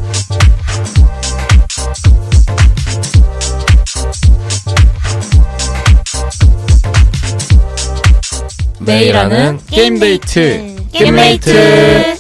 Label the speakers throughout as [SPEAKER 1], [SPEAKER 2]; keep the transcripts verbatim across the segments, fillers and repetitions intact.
[SPEAKER 1] 매일 하는 게임데이트 게임메이트.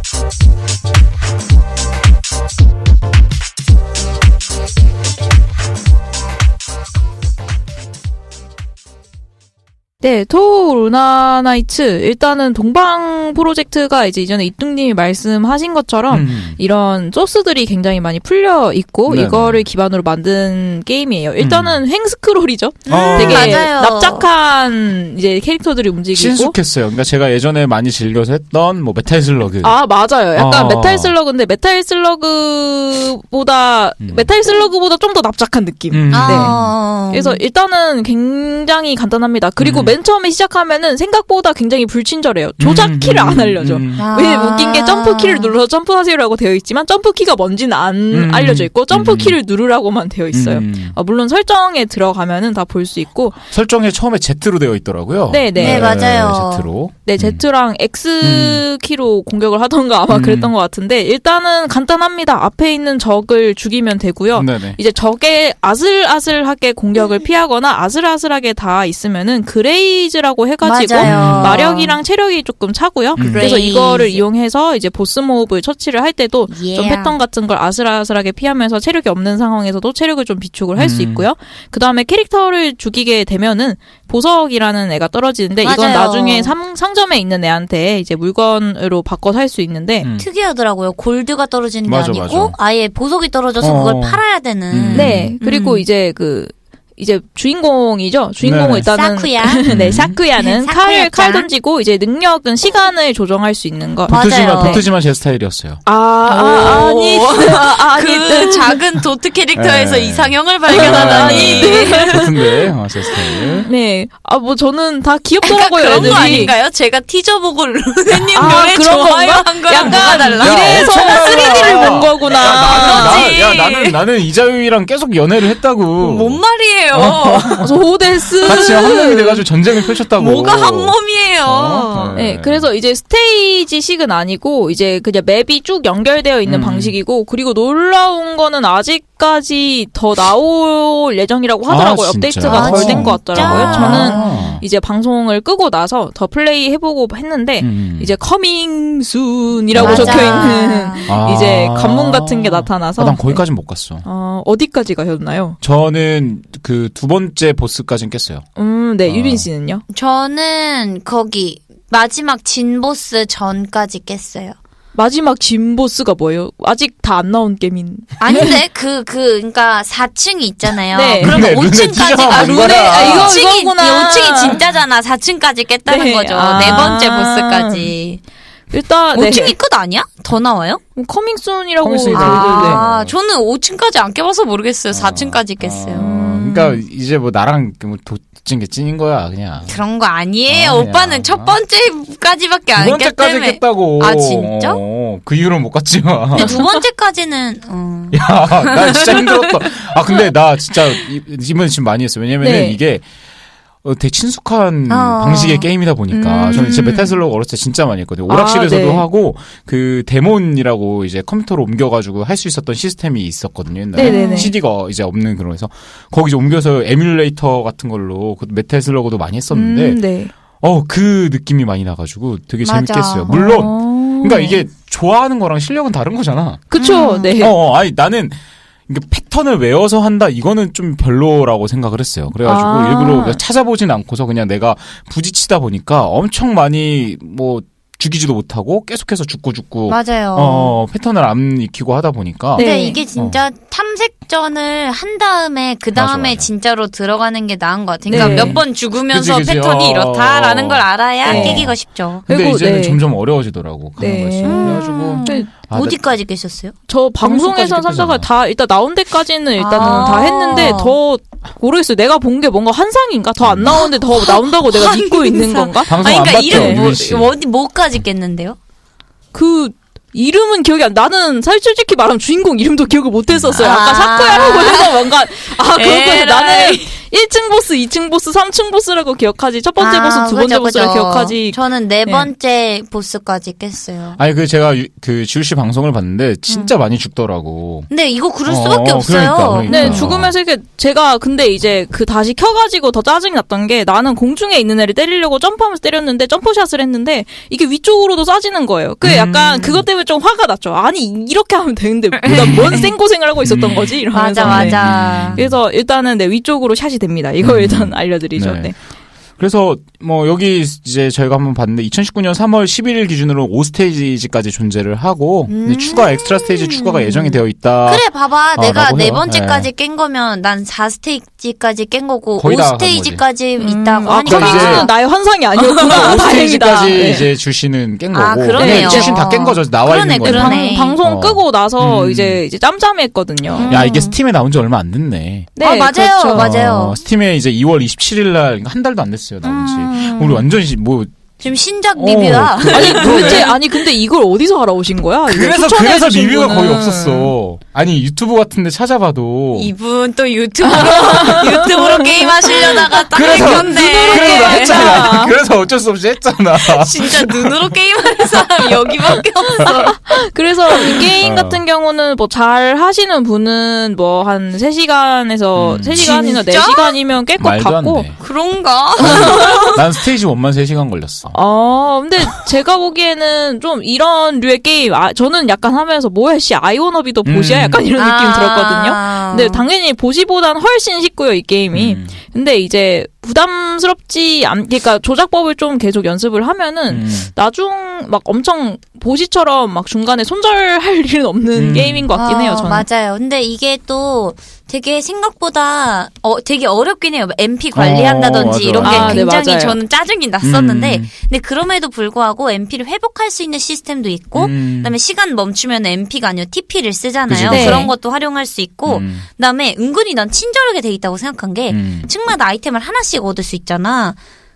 [SPEAKER 2] 네, 토우 루나 나이츠. 일단은 동방 프로젝트가 이제 이전에 이뚱님이 말씀하신 것처럼 음. 이런 소스들이 굉장히 많이 풀려 있고 네네. 이거를 기반으로 만든 게임이에요. 일단은 음. 횡스크롤이죠. 음, 되게 맞아요. 납작한 이제 캐릭터들이 움직이고
[SPEAKER 1] 신숙했어요. 그러니까 제가 예전에 많이 즐겨서 했던 뭐 메탈 슬러그.
[SPEAKER 2] 아, 맞아요. 약간 어. 메탈 슬러그인데 메탈 슬러그보다 음. 메탈 슬러그보다 좀 더 납작한 느낌. 음. 네. 아. 그래서 일단은 굉장히 간단합니다. 그리고 음. 맨 처음에 시작하면은 생각보다 굉장히 불친절해요. 조작 음, 키를 안 알려줘. 음, 음. 왜냐면 웃긴 게 점프 키를 눌러서 점프하세요라고 되어 있지만 점프 키가 뭔지는 안 음, 알려져 있고 점프 음, 키를 누르라고만 되어 있어요. 음. 어, 물론 설정에 들어가면은 다 볼 수 있고
[SPEAKER 1] 설정에 처음에 Z로 되어 있더라고요.
[SPEAKER 2] 네네 네.
[SPEAKER 3] 네, 맞아요.
[SPEAKER 1] Z로.
[SPEAKER 2] 네 Z랑 X 음. 키로 공격을 하던가 아마 음. 그랬던 것 같은데 일단은 간단합니다. 앞에 있는 적을 죽이면 되고요. 네네. 이제 적의 아슬아슬하게 공격을 피하거나 아슬아슬하게 다 있으면은 그레이즈라고 해가지고 맞아요. 마력이랑 체력이 조금 차고요. 음. 그래서 이거를 이용해서 이제 보스 몹을 처치를 할 때도 yeah. 좀 패턴 같은 걸 아슬아슬하게 피하면서 체력이 없는 상황에서도 체력을 좀 비축을 할 수 음. 있고요. 그 다음에 캐릭터를 죽이게 되면은 보석이라는 애가 떨어지는데 맞아요. 이건 나중에 상, 상점에 있는 애한테 이제 물건으로 바꿔 살 수 있는데
[SPEAKER 3] 음. 특이하더라고요. 골드가 떨어지는 게
[SPEAKER 1] 맞아,
[SPEAKER 3] 아니고
[SPEAKER 1] 맞아.
[SPEAKER 3] 아예 보석이 떨어져서 어. 그걸 팔아야 되는.
[SPEAKER 2] 음. 네. 그리고 음. 이제 그 이제 주인공이죠. 주인공은 네네. 일단은
[SPEAKER 3] 사쿠야.
[SPEAKER 2] 네, 사쿠야는 칼을 칼 던지고 이제 능력은 시간을 조정할 수 있는 거.
[SPEAKER 1] 도트지만 도트지만 제 스타일이었어요.
[SPEAKER 2] 아, 아 아니
[SPEAKER 3] 아니 그 작은 도트 캐릭터에서 네. 이상형을 발견하다니.
[SPEAKER 1] 도트인데 아, 제 스타일.
[SPEAKER 2] 네. 아 뭐 저는 다 귀엽더라고요.
[SPEAKER 3] 그런
[SPEAKER 2] 애들이.
[SPEAKER 3] 거 아닌가요? 제가 티저 보고 루네님
[SPEAKER 2] 아,
[SPEAKER 3] 노래 좋아요 한 거랑 뭐가 달라?
[SPEAKER 2] 이래서 쓰리디를 본 거구나.
[SPEAKER 1] 야, 나는, 나, 야 나는 나는 이자유이랑 계속 연애를 했다고.
[SPEAKER 3] 뭔 말이에요?
[SPEAKER 2] 어. 소데스
[SPEAKER 1] 같이 한 몸이 돼가지고 전쟁을 펼쳤다고.
[SPEAKER 3] 뭐가 한 몸이에요?
[SPEAKER 1] 어?
[SPEAKER 2] 네. 네, 그래서 이제 스테이지식은 아니고 이제 그냥 맵이 쭉 연결되어 있는 음. 방식이고 그리고 놀라운 거는 아직까지 더 나올 예정이라고 하더라고요.
[SPEAKER 1] 아,
[SPEAKER 2] 업데이트가
[SPEAKER 1] 아,
[SPEAKER 2] 덜 된 것 같더라고요. 저는
[SPEAKER 1] 아.
[SPEAKER 2] 이제 방송을 끄고 나서 더 플레이 해보고 했는데
[SPEAKER 1] 음.
[SPEAKER 2] 이제 커밍 순이라고
[SPEAKER 3] 맞아.
[SPEAKER 2] 적혀 있는
[SPEAKER 1] 아.
[SPEAKER 2] 이제 관문 같은 게 나타나서
[SPEAKER 1] 아, 난 거기까진 못 갔어.
[SPEAKER 2] 어, 어디까지 가셨나요?
[SPEAKER 1] 저는 그 두 번째 보스까진 깼어요.
[SPEAKER 2] 음, 네. 아. 유빈 씨는요?
[SPEAKER 3] 저는 거기 마지막 진 보스 전까지 깼어요.
[SPEAKER 2] 마지막 진 보스가 뭐예요? 아직 다 안 나온 게임인.
[SPEAKER 3] 아닌데 그 그 그러니까 사 층이 있잖아요.
[SPEAKER 2] 네.
[SPEAKER 3] 그럼
[SPEAKER 1] 네,
[SPEAKER 3] 오 층까지
[SPEAKER 1] 아,
[SPEAKER 2] 룬에 아, 이거
[SPEAKER 3] 오 층이
[SPEAKER 2] 이거구나.
[SPEAKER 3] 오 층이 진짜잖아. 사 층까지 깼다는
[SPEAKER 2] 네.
[SPEAKER 3] 거죠.
[SPEAKER 2] 아.
[SPEAKER 3] 네 번째 보스까지.
[SPEAKER 2] 일단
[SPEAKER 3] 오 층이 끝 아니야? 더 나와요?
[SPEAKER 2] 커밍순이라고.
[SPEAKER 1] 커밍순이라고.
[SPEAKER 3] 아, 저는 오 층까지 안 깨봐서 모르겠어요. 사 층까지 깼어요.
[SPEAKER 1] 아, 그러니까 이제 뭐 나랑 뭐 도찐 게 찐인 거야 그냥.
[SPEAKER 3] 그런 거 아니에요.
[SPEAKER 1] 아,
[SPEAKER 3] 오빠는 첫 번째까지밖에 안 깼다며.
[SPEAKER 1] 두 번째까지 깼다고.
[SPEAKER 3] 아 진짜?
[SPEAKER 1] 어, 그 이후로는 못 갔지만.
[SPEAKER 3] 근데 두 번째까지는 어.
[SPEAKER 1] 야, 나 진짜 힘들었다. 아 근데 나 진짜 이번에 지금 많이 했어요. 왜냐면은
[SPEAKER 2] 네.
[SPEAKER 1] 이게 어, 되게 친숙한
[SPEAKER 3] 어.
[SPEAKER 1] 방식의 게임이다 보니까
[SPEAKER 2] 음.
[SPEAKER 1] 저는 진짜 메탈 슬러그 어렸을 때 진짜 많이 했거든요. 오락실에서도
[SPEAKER 2] 아, 네.
[SPEAKER 1] 하고 그 데몬이라고 이제 컴퓨터로 옮겨가지고 할 수 있었던 시스템이 있었거든요. 옛날에
[SPEAKER 2] 네네네.
[SPEAKER 1] 씨디가 이제 없는 그런 해서 거기 이제 옮겨서 에뮬레이터 같은 걸로 그 메탈 슬러그도 많이 했었는데
[SPEAKER 2] 음, 네.
[SPEAKER 1] 어, 그 느낌이 많이 나가지고 되게
[SPEAKER 3] 맞아.
[SPEAKER 1] 재밌겠어요. 물론
[SPEAKER 2] 어.
[SPEAKER 1] 그러니까 이게 좋아하는 거랑 실력은 다른 거잖아.
[SPEAKER 2] 그쵸.
[SPEAKER 3] 음.
[SPEAKER 2] 네.
[SPEAKER 1] 어, 어, 아니 나는 이게 패턴을 외워서 한다 이거는 좀 별로라고 생각을 했어요. 그래가지고
[SPEAKER 2] 아.
[SPEAKER 1] 일부러 찾아보진 않고서 그냥 내가 부딪히다 보니까 엄청 많이 뭐 죽이지도 못하고 계속해서 죽고 죽고
[SPEAKER 3] 맞아요.
[SPEAKER 1] 어, 패턴을 안 익히고 하다 보니까
[SPEAKER 2] 네.
[SPEAKER 3] 근데 이게 진짜 탐색전을 한 다음에 그 다음에
[SPEAKER 1] 맞아, 맞아.
[SPEAKER 3] 진짜로 들어가는 게 나은 것 같아요. 그러니까
[SPEAKER 2] 네.
[SPEAKER 3] 몇 번 죽으면서
[SPEAKER 1] 그치, 그치.
[SPEAKER 3] 패턴이
[SPEAKER 1] 어,
[SPEAKER 3] 이렇다라는
[SPEAKER 1] 어.
[SPEAKER 3] 걸 알아야
[SPEAKER 2] 네.
[SPEAKER 3] 깨기가 쉽죠.
[SPEAKER 1] 근데
[SPEAKER 2] 그리고,
[SPEAKER 1] 이제는
[SPEAKER 2] 네.
[SPEAKER 1] 점점 어려워지더라고. 그런
[SPEAKER 2] 네.
[SPEAKER 1] 거지.
[SPEAKER 3] 음.
[SPEAKER 1] 그래가지고
[SPEAKER 2] 네.
[SPEAKER 1] 아,
[SPEAKER 3] 어디까지 계셨어요?
[SPEAKER 2] 저 방송에서
[SPEAKER 1] 방송까지
[SPEAKER 2] 삼사가 다 일단 나온 데까지는 일단은
[SPEAKER 3] 아.
[SPEAKER 2] 다 했는데 더 모르겠어요. 내가 본 게 뭔가 환상인가? 더 안 나오는데 더 나온다고 내가 믿고 있는 건가?
[SPEAKER 1] 방송
[SPEAKER 3] 아니,
[SPEAKER 1] 안
[SPEAKER 3] 그러니까
[SPEAKER 1] 봤죠,
[SPEAKER 3] 이름 뭐,
[SPEAKER 1] 유빈 씨.
[SPEAKER 3] 어디 뭐까지 깼는데요?
[SPEAKER 2] 그 이름은 기억이 안 나는 사실 솔직히 말하면 주인공 이름도 기억을 못 했었어요. 아까
[SPEAKER 3] 아.
[SPEAKER 2] 사쿠야라고 해서 뭔가 아 그렇구나.
[SPEAKER 3] 에라이.
[SPEAKER 2] 나는 일 층 보스, 이 층 보스, 삼 층 보스라고 기억하지. 첫 번째
[SPEAKER 3] 아,
[SPEAKER 2] 보스, 두 번째
[SPEAKER 3] 그죠,
[SPEAKER 2] 보스라고
[SPEAKER 3] 그죠.
[SPEAKER 2] 기억하지.
[SPEAKER 3] 저는 네
[SPEAKER 2] 네.
[SPEAKER 3] 번째 보스까지 깼어요.
[SPEAKER 1] 아니 그 제가 유, 그 지우 씨 방송을 봤는데 진짜 음. 많이 죽더라고.
[SPEAKER 3] 근데 이거 그럴 수밖에
[SPEAKER 1] 어,
[SPEAKER 3] 없어요.
[SPEAKER 1] 그러니까, 그러니까.
[SPEAKER 2] 네, 죽으면서 이렇게 제가 근데 이제 그 다시 켜가지고 더 짜증이 났던 게 나는 공중에 있는 애를 때리려고 점프하면서 때렸는데 점프샷을 했는데 이게 위쪽으로도 쏴지는 거예요. 그 약간 음. 그것 때문에 좀 화가 났죠. 아니 이렇게 하면 되는데 난 뭔 생고생을 하고 있었던 거지 이러면서.
[SPEAKER 3] 맞아 맞아.
[SPEAKER 2] 네. 그래서 일단은 네 위쪽으로 샷이 됩니다. 이거 음. 일단 알려드리죠. 네. 네.
[SPEAKER 1] 그래서 뭐 여기 이제 저희가 한번 봤는데 이천십구 년 삼월 십일일 기준으로 오 스테이지까지 존재를 하고 음~ 추가 엑스트라 스테이지 추가가 예정이 되어 있다.
[SPEAKER 3] 그래 봐봐
[SPEAKER 1] 어,
[SPEAKER 3] 내가 네 번째까지 네. 깬 거면 난 사 스테이지까지 깬 거고 오 스테이지까지
[SPEAKER 2] 음~
[SPEAKER 3] 있다고
[SPEAKER 2] 아,
[SPEAKER 3] 하니까
[SPEAKER 2] 이제는 나의 환상이 아니었구나.
[SPEAKER 1] 오 스테이지까지 네. 이제 주시는 깬 거고.
[SPEAKER 3] 아, 그러네요.
[SPEAKER 1] 주신 다 깬 거죠. 나와
[SPEAKER 3] 그러네,
[SPEAKER 1] 있는 거.
[SPEAKER 2] 방, 방송 어. 끄고 나서 음. 이제 이제 짬짬했거든요.
[SPEAKER 1] 음. 야 이게 스팀에 나온 지 얼마 안 됐네.
[SPEAKER 2] 네,
[SPEAKER 3] 아, 맞아요,
[SPEAKER 2] 그렇죠.
[SPEAKER 3] 맞아요.
[SPEAKER 1] 어, 스팀에 이제 이월 이십칠일 날 한 달도 안 됐어요 나온 지. 음. 우리 완전 뭐
[SPEAKER 3] 지금 신작 리뷰야.
[SPEAKER 2] 어, 아니 도대체 아니 근데 이걸 어디서 알아오신 거야?
[SPEAKER 1] 그래서 그래서 리뷰가 거의 없었어. 아니 유튜브 같은데 찾아봐도
[SPEAKER 3] 이분 또 유튜브로 유튜브로 게임 하시려다가 딱 했는데
[SPEAKER 1] 그래서 했잖아. 그래서 어쩔 수 없이 했잖아.
[SPEAKER 3] 진짜 눈으로 게임하는 사람 여기밖에 없어.
[SPEAKER 2] 그래서 이 게임 같은 경우는 뭐 잘 하시는 분은 뭐 한 세 시간에서 음. 세 시간이나 네 시간이면 깰 것 같고.
[SPEAKER 3] 그런가?
[SPEAKER 1] 난 스테이지 일만 세 시간 걸렸어.
[SPEAKER 2] 아, 근데 제가 보기에는 좀 이런 류의 게임, 아, 저는 약간 하면서 뭐야, 씨, 아이오너비도 보시야? 약간 이런 아~ 느낌 들었거든요. 근데 당연히 보시보단 훨씬 쉽고요, 이 게임이. 음. 근데 이제 부담스럽지 않, 그러니까 조작법을 좀 계속 연습을 하면은 음. 나중 막 엄청 보시처럼 막 중간에 손절할 일은 없는 음. 게임인 것 같긴 해요, 저는.
[SPEAKER 3] 어, 맞아요. 근데 이게 또 되게 생각보다 어 되게 어렵긴 해요. 엠피 관리한다든지 어, 이런 게
[SPEAKER 2] 아,
[SPEAKER 3] 굉장히
[SPEAKER 2] 네,
[SPEAKER 3] 저는 짜증이 났었는데
[SPEAKER 1] 음.
[SPEAKER 3] 근데 그럼에도 불구하고 엠피를 회복할 수 있는 시스템도 있고 음. 그다음에 시간 멈추면 엠피가 아니라 티피를 쓰잖아요.
[SPEAKER 2] 네.
[SPEAKER 3] 그런 것도 활용할 수 있고
[SPEAKER 1] 음.
[SPEAKER 3] 그다음에 은근히 난 친절하게 돼 있다고 생각한 게
[SPEAKER 1] 음.
[SPEAKER 3] 층마다 아이템을 하나씩 얻을 수 있잖아.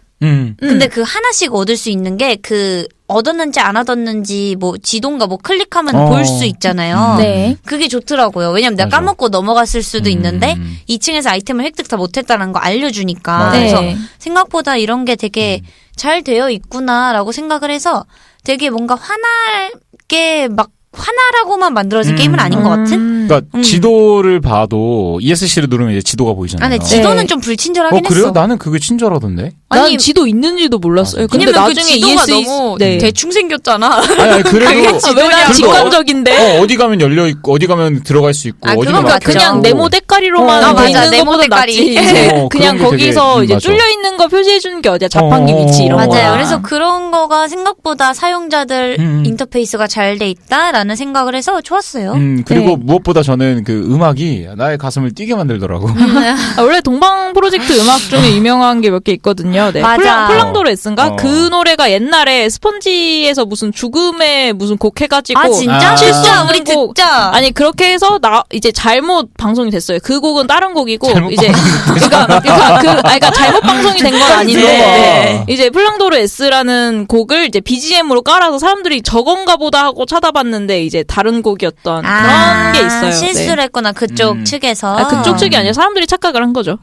[SPEAKER 1] 음.
[SPEAKER 3] 근데 그 하나씩 얻을 수 있는 게 그 얻었는지 안 얻었는지 뭐 지도인가 뭐 클릭하면
[SPEAKER 1] 어.
[SPEAKER 3] 볼 수 있잖아요.
[SPEAKER 2] 네.
[SPEAKER 3] 그게 좋더라고요. 왜냐면 내가
[SPEAKER 1] 맞아.
[SPEAKER 3] 까먹고 넘어갔을 수도
[SPEAKER 1] 음.
[SPEAKER 3] 있는데 이 층에서 아이템을 획득 다 못했다는 거 알려주니까.
[SPEAKER 1] 맞아.
[SPEAKER 3] 그래서
[SPEAKER 2] 네.
[SPEAKER 3] 생각보다 이런 게 되게
[SPEAKER 1] 음.
[SPEAKER 3] 잘 되어 있구나라고 생각을 해서 되게 뭔가 화날 게 막 하나라고만 만들어진
[SPEAKER 1] 음.
[SPEAKER 3] 게임은 아닌 것 같은?
[SPEAKER 1] 그러니까
[SPEAKER 3] 음.
[SPEAKER 1] 지도를 봐도 이에스씨를 누르면 이제 지도가 보이잖아요.
[SPEAKER 3] 아, 근데 지도는
[SPEAKER 2] 네.
[SPEAKER 3] 좀 불친절하긴
[SPEAKER 1] 어, 그래요?
[SPEAKER 3] 했어.
[SPEAKER 1] 나는 그게 친절하던데.
[SPEAKER 2] 난
[SPEAKER 3] 아니,
[SPEAKER 2] 지도 있는지도 몰랐어요. 근데
[SPEAKER 3] 왜냐면
[SPEAKER 2] 나중에
[SPEAKER 3] 그 지도가
[SPEAKER 2] 이에스이
[SPEAKER 3] 너무
[SPEAKER 2] 네.
[SPEAKER 3] 대충 생겼잖아.
[SPEAKER 1] 아니, 아니 그래도
[SPEAKER 2] 왜 직관적인데?
[SPEAKER 1] 어, 어디 가면 열려 있고 어디 가면 들어갈 수 있고
[SPEAKER 3] 아,
[SPEAKER 1] 어디
[SPEAKER 3] 그건
[SPEAKER 1] 가면
[SPEAKER 3] 맞죠.
[SPEAKER 2] 그냥 네모 대가리로만
[SPEAKER 3] 어,
[SPEAKER 2] 돼
[SPEAKER 3] 맞아.
[SPEAKER 2] 있는
[SPEAKER 3] 네모
[SPEAKER 2] 것보다
[SPEAKER 3] 대가리.
[SPEAKER 2] 낫지. 이제
[SPEAKER 1] 어,
[SPEAKER 2] 그냥
[SPEAKER 1] 그런 게
[SPEAKER 2] 거기서
[SPEAKER 1] 되게,
[SPEAKER 2] 이제
[SPEAKER 1] 맞아.
[SPEAKER 2] 뚫려 있는 거 표시해 주는 게 어디야? 자판기
[SPEAKER 1] 어,
[SPEAKER 2] 위치 이런 거.
[SPEAKER 3] 맞아요. 그래서 그런 거가 생각보다 사용자들
[SPEAKER 1] 음.
[SPEAKER 3] 인터페이스가 잘 돼 있다라는 생각을 해서 좋았어요.
[SPEAKER 1] 음, 그리고
[SPEAKER 2] 네.
[SPEAKER 1] 무엇보다 저는 그 음악이 나의 가슴을 뛰게 만들더라고.
[SPEAKER 2] 아, 원래 동방 프로젝트 음악 중에 유명한 게 몇 개 있거든요. 네.
[SPEAKER 3] 맞아.
[SPEAKER 2] 플랑, 플랑도레스인가?
[SPEAKER 1] 어.
[SPEAKER 2] 그 노래가 옛날에 스펀지에서 무슨 죽음의 무슨 곡 해가지고.
[SPEAKER 3] 아 진짜?
[SPEAKER 1] 아.
[SPEAKER 3] 진짜 우리
[SPEAKER 2] 곡.
[SPEAKER 3] 듣자.
[SPEAKER 2] 아니 그렇게 해서 나 이제 잘못 방송이 됐어요. 그 곡은 다른 곡이고
[SPEAKER 1] 잘못
[SPEAKER 2] 이제 그러니까 그러니까 그 아니, 그러니까 잘못 방송이 된 건 아닌데
[SPEAKER 1] 네.
[SPEAKER 2] 이제 플랑도르 S라는 곡을 이제 비지엠으로 깔아서 사람들이 저건가 보다 하고 찾아봤는데 이제 다른 곡이었던
[SPEAKER 3] 아,
[SPEAKER 2] 그런 게 있어요.
[SPEAKER 3] 실수를
[SPEAKER 2] 네.
[SPEAKER 3] 했구나 그쪽
[SPEAKER 1] 음.
[SPEAKER 3] 측에서.
[SPEAKER 2] 아, 그쪽 측이 아니라 사람들이 착각을 한 거죠.
[SPEAKER 1] 음.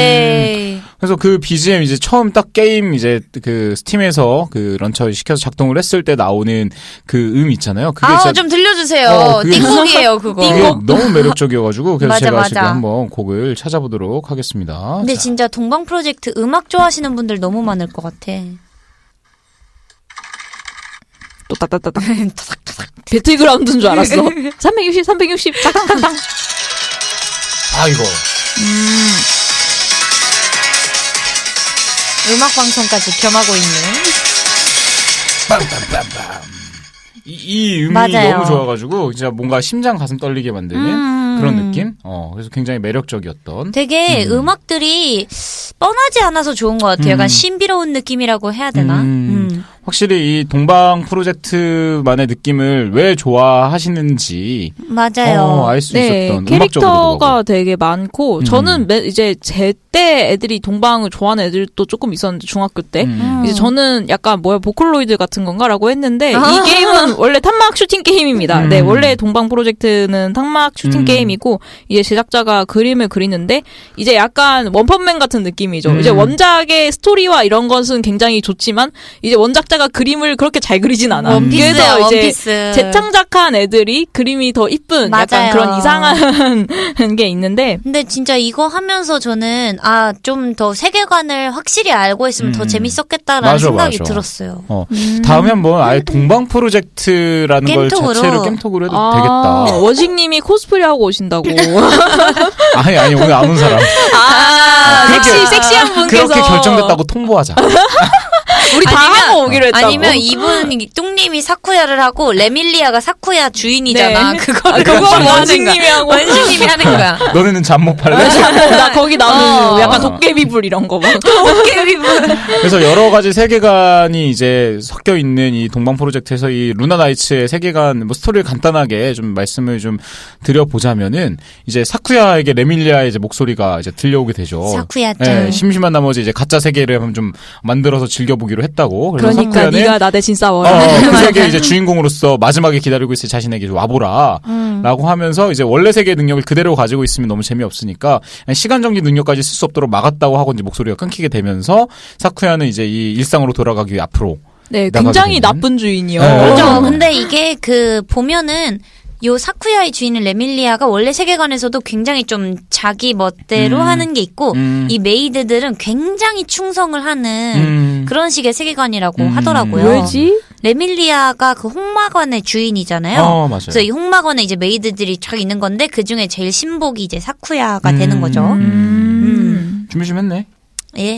[SPEAKER 3] 네.
[SPEAKER 1] 그래서 그 비지엠 이제 처음 딱 게임 이제 그 스팀에서 그 런처 시켜서 작동을 했을 때 나오는 그 음 있잖아요. 그게
[SPEAKER 3] 아,
[SPEAKER 1] 진짜
[SPEAKER 3] 좀 들려주세요.
[SPEAKER 1] 어, 그게
[SPEAKER 3] 띵곡이에요, 그거.
[SPEAKER 1] 그게 너무 매력적이어가지고 그래서
[SPEAKER 3] 맞아,
[SPEAKER 1] 제가
[SPEAKER 3] 맞아.
[SPEAKER 1] 지금 한번 곡을 찾아보도록 하겠습니다.
[SPEAKER 3] 근데
[SPEAKER 1] 자.
[SPEAKER 3] 진짜 동방 프로젝트 음악 좋아하시는 분들 너무 많을 것 같아.
[SPEAKER 2] 또 따따따따. 배틀그라운드인 줄 알았어. 삼백육십, 삼백육십, 땅땅땅땅.
[SPEAKER 1] 아 이거
[SPEAKER 2] 음.
[SPEAKER 3] 음악 방송까지 겸하고 있는.
[SPEAKER 1] 빰빰빰빰. 이, 이 음이
[SPEAKER 3] 맞아요.
[SPEAKER 1] 너무 좋아가지고 진짜 뭔가 심장 가슴 떨리게 만드는
[SPEAKER 3] 음.
[SPEAKER 1] 그런 느낌. 어 그래서 굉장히 매력적이었던.
[SPEAKER 3] 되게
[SPEAKER 1] 음.
[SPEAKER 3] 음악들이 뻔하지 않아서 좋은 것 같아요. 약간
[SPEAKER 1] 음.
[SPEAKER 3] 신비로운 느낌이라고 해야 되나?
[SPEAKER 1] 음.
[SPEAKER 3] 음.
[SPEAKER 1] 확실히 이 동방 프로젝트만의 느낌을 왜 좋아하시는지
[SPEAKER 3] 맞아요.
[SPEAKER 1] 어, 알 수
[SPEAKER 2] 네,
[SPEAKER 1] 있었던
[SPEAKER 2] 캐릭터가 되게 많고
[SPEAKER 1] 음.
[SPEAKER 2] 저는 매, 이제 제 때 애들이 동방을 좋아하는 애들도 조금 있었는데 중학교 때
[SPEAKER 1] 음.
[SPEAKER 2] 이제 저는 약간 뭐야 보컬로이드 같은 건가라고 했는데
[SPEAKER 3] 아.
[SPEAKER 2] 이 게임은 원래 탄막 슈팅 게임입니다.
[SPEAKER 1] 음.
[SPEAKER 2] 네, 원래 동방 프로젝트는 탄막 슈팅
[SPEAKER 1] 음.
[SPEAKER 2] 게임이고 이제 제작자가 그림을 그리는데 이제 약간 원펀맨 같은 느낌이죠.
[SPEAKER 1] 음.
[SPEAKER 2] 이제 원작의 스토리와 이런 것은 굉장히 좋지만 이제 원작자가 그림을 그렇게 잘 그리진 않아.
[SPEAKER 3] 원피스야,
[SPEAKER 2] 그래서 이제
[SPEAKER 3] 원피스.
[SPEAKER 2] 재창작한 애들이 그림이 더 이쁜
[SPEAKER 3] 맞아요.
[SPEAKER 2] 약간 그런 이상한 게 있는데
[SPEAKER 3] 근데 진짜 이거 하면서 저는 아 좀 더 세계관을 확실히 알고 있으면 더
[SPEAKER 1] 음.
[SPEAKER 3] 재밌었겠다라는
[SPEAKER 1] 맞아,
[SPEAKER 3] 생각이
[SPEAKER 1] 맞아.
[SPEAKER 3] 들었어요.
[SPEAKER 1] 어,
[SPEAKER 2] 음.
[SPEAKER 1] 다음에 한번 아예 동방 프로젝트라는 걸
[SPEAKER 3] 겜톡으로.
[SPEAKER 1] 자체로 겜톡으로 해도
[SPEAKER 2] 아,
[SPEAKER 1] 되겠다.
[SPEAKER 2] 원식님이 코스프레 하고 오신다고.
[SPEAKER 1] 아니 아니 오늘 안 온 사람.
[SPEAKER 2] 아,
[SPEAKER 1] 그렇게-
[SPEAKER 2] 섹시 섹시한 분께서
[SPEAKER 1] 그렇게 결정됐다고 통보하자.
[SPEAKER 2] 우리 다
[SPEAKER 3] 아니면-
[SPEAKER 2] 하고 오기로 했다고.
[SPEAKER 3] 아니면 이분 뚱님이 사쿠야를 하고 레밀리아가 사쿠야 주인이잖아.
[SPEAKER 2] 네.
[SPEAKER 3] 그거를
[SPEAKER 2] 아, 그거
[SPEAKER 3] 하는 거야.
[SPEAKER 2] 원식님이 하고.
[SPEAKER 3] 원식님이 하는 거야.
[SPEAKER 1] 너네는 잠 못 팔래?
[SPEAKER 2] 나 거기 나는
[SPEAKER 3] 어.
[SPEAKER 2] 약간 도깨비불 이런 거 막.
[SPEAKER 3] 도깨비분.
[SPEAKER 1] 그래서 여러 가지 세계관이 이제 섞여 있는 이 동방 프로젝트에서 이 루나 나이츠의 세계관 뭐 스토리를 간단하게 좀 말씀을 좀 드려보자면은 이제 사쿠야에게 레밀리아의 이제 목소리가 이제 들려오게 되죠.
[SPEAKER 3] 사쿠야짱.
[SPEAKER 1] 예, 심심한 나머지 이제 가짜 세계를 한번 좀 만들어서 즐겨보기로 했다고. 그래서
[SPEAKER 2] 그러니까
[SPEAKER 1] 사쿠야는
[SPEAKER 2] 네가 나 대신 싸워.
[SPEAKER 1] 어, 그 세계 이제 주인공으로서 마지막에 기다리고 있을 자신에게 좀 와보라.
[SPEAKER 3] 음.
[SPEAKER 1] 라고 하면서 이제 원래 세계의 능력을 그대로 가지고 있으면 너무 재미없으니까 시간 정지 능력까지 쓸 수 없도록 막았다고 하고 이제 목소리가 끊기게 되면서 사쿠야는 이제 이 일상으로 돌아가기 위해 앞으로
[SPEAKER 2] 네,
[SPEAKER 1] 나가게
[SPEAKER 2] 굉장히
[SPEAKER 1] 되는.
[SPEAKER 2] 나쁜 주인이요.
[SPEAKER 1] 네.
[SPEAKER 3] 맞아. 근데 이게 그 보면은 요 사쿠야의 주인은 레밀리아가 원래 세계관에서도 굉장히 좀 자기 멋대로
[SPEAKER 1] 음.
[SPEAKER 3] 하는 게 있고
[SPEAKER 1] 음.
[SPEAKER 3] 이 메이드들은 굉장히 충성을 하는
[SPEAKER 1] 음.
[SPEAKER 3] 그런 식의 세계관이라고
[SPEAKER 1] 음.
[SPEAKER 3] 하더라고요.
[SPEAKER 2] 왜지?
[SPEAKER 3] 레밀리아가 그 홍마관의 주인이잖아요.
[SPEAKER 1] 어, 맞아요.
[SPEAKER 3] 그래서 이 홍마관에 이제 메이드들이 쫙 있는 건데 그 중에 제일 신복이 이제 사쿠야가
[SPEAKER 1] 음.
[SPEAKER 3] 되는 거죠.
[SPEAKER 2] 음.
[SPEAKER 1] 준비 좀 했네.
[SPEAKER 3] 예.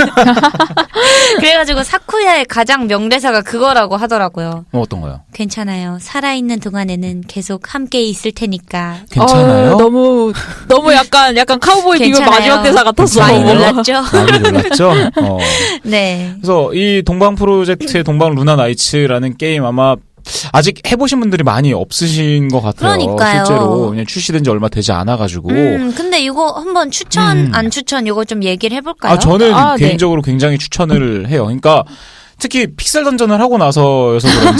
[SPEAKER 3] 그래가지고 사쿠야의 가장 명대사가 그거라고 하더라고요.
[SPEAKER 1] 어, 어떤 거요?
[SPEAKER 3] 괜찮아요. 살아있는 동안에는 계속 함께 있을 테니까.
[SPEAKER 1] 괜찮아요?
[SPEAKER 2] 어, 너무 너무 약간 약간 카우보이 비밀
[SPEAKER 3] 괜찮아요.
[SPEAKER 2] 마지막 대사 같았어.
[SPEAKER 3] 많이 놀랐죠?
[SPEAKER 1] 많이 놀랐죠? 어.
[SPEAKER 3] 네.
[SPEAKER 1] 그래서 이 동방 프로젝트의 동방 루나 나이츠라는 게임 아마 아직 해보신 분들이 많이 없으신 것 같아요.
[SPEAKER 3] 그러니까요.
[SPEAKER 1] 실제로 그냥 출시된 지 얼마 되지 않아가지고.
[SPEAKER 3] 음, 근데 이거 한번 추천,
[SPEAKER 1] 음.
[SPEAKER 3] 안 추천, 이거 좀 얘기를 해볼까요?
[SPEAKER 1] 아 저는
[SPEAKER 2] 아, 네.
[SPEAKER 1] 개인적으로 굉장히 추천을 해요. 그러니까 특히 픽셀 던전을 하고 나서여서 그런지.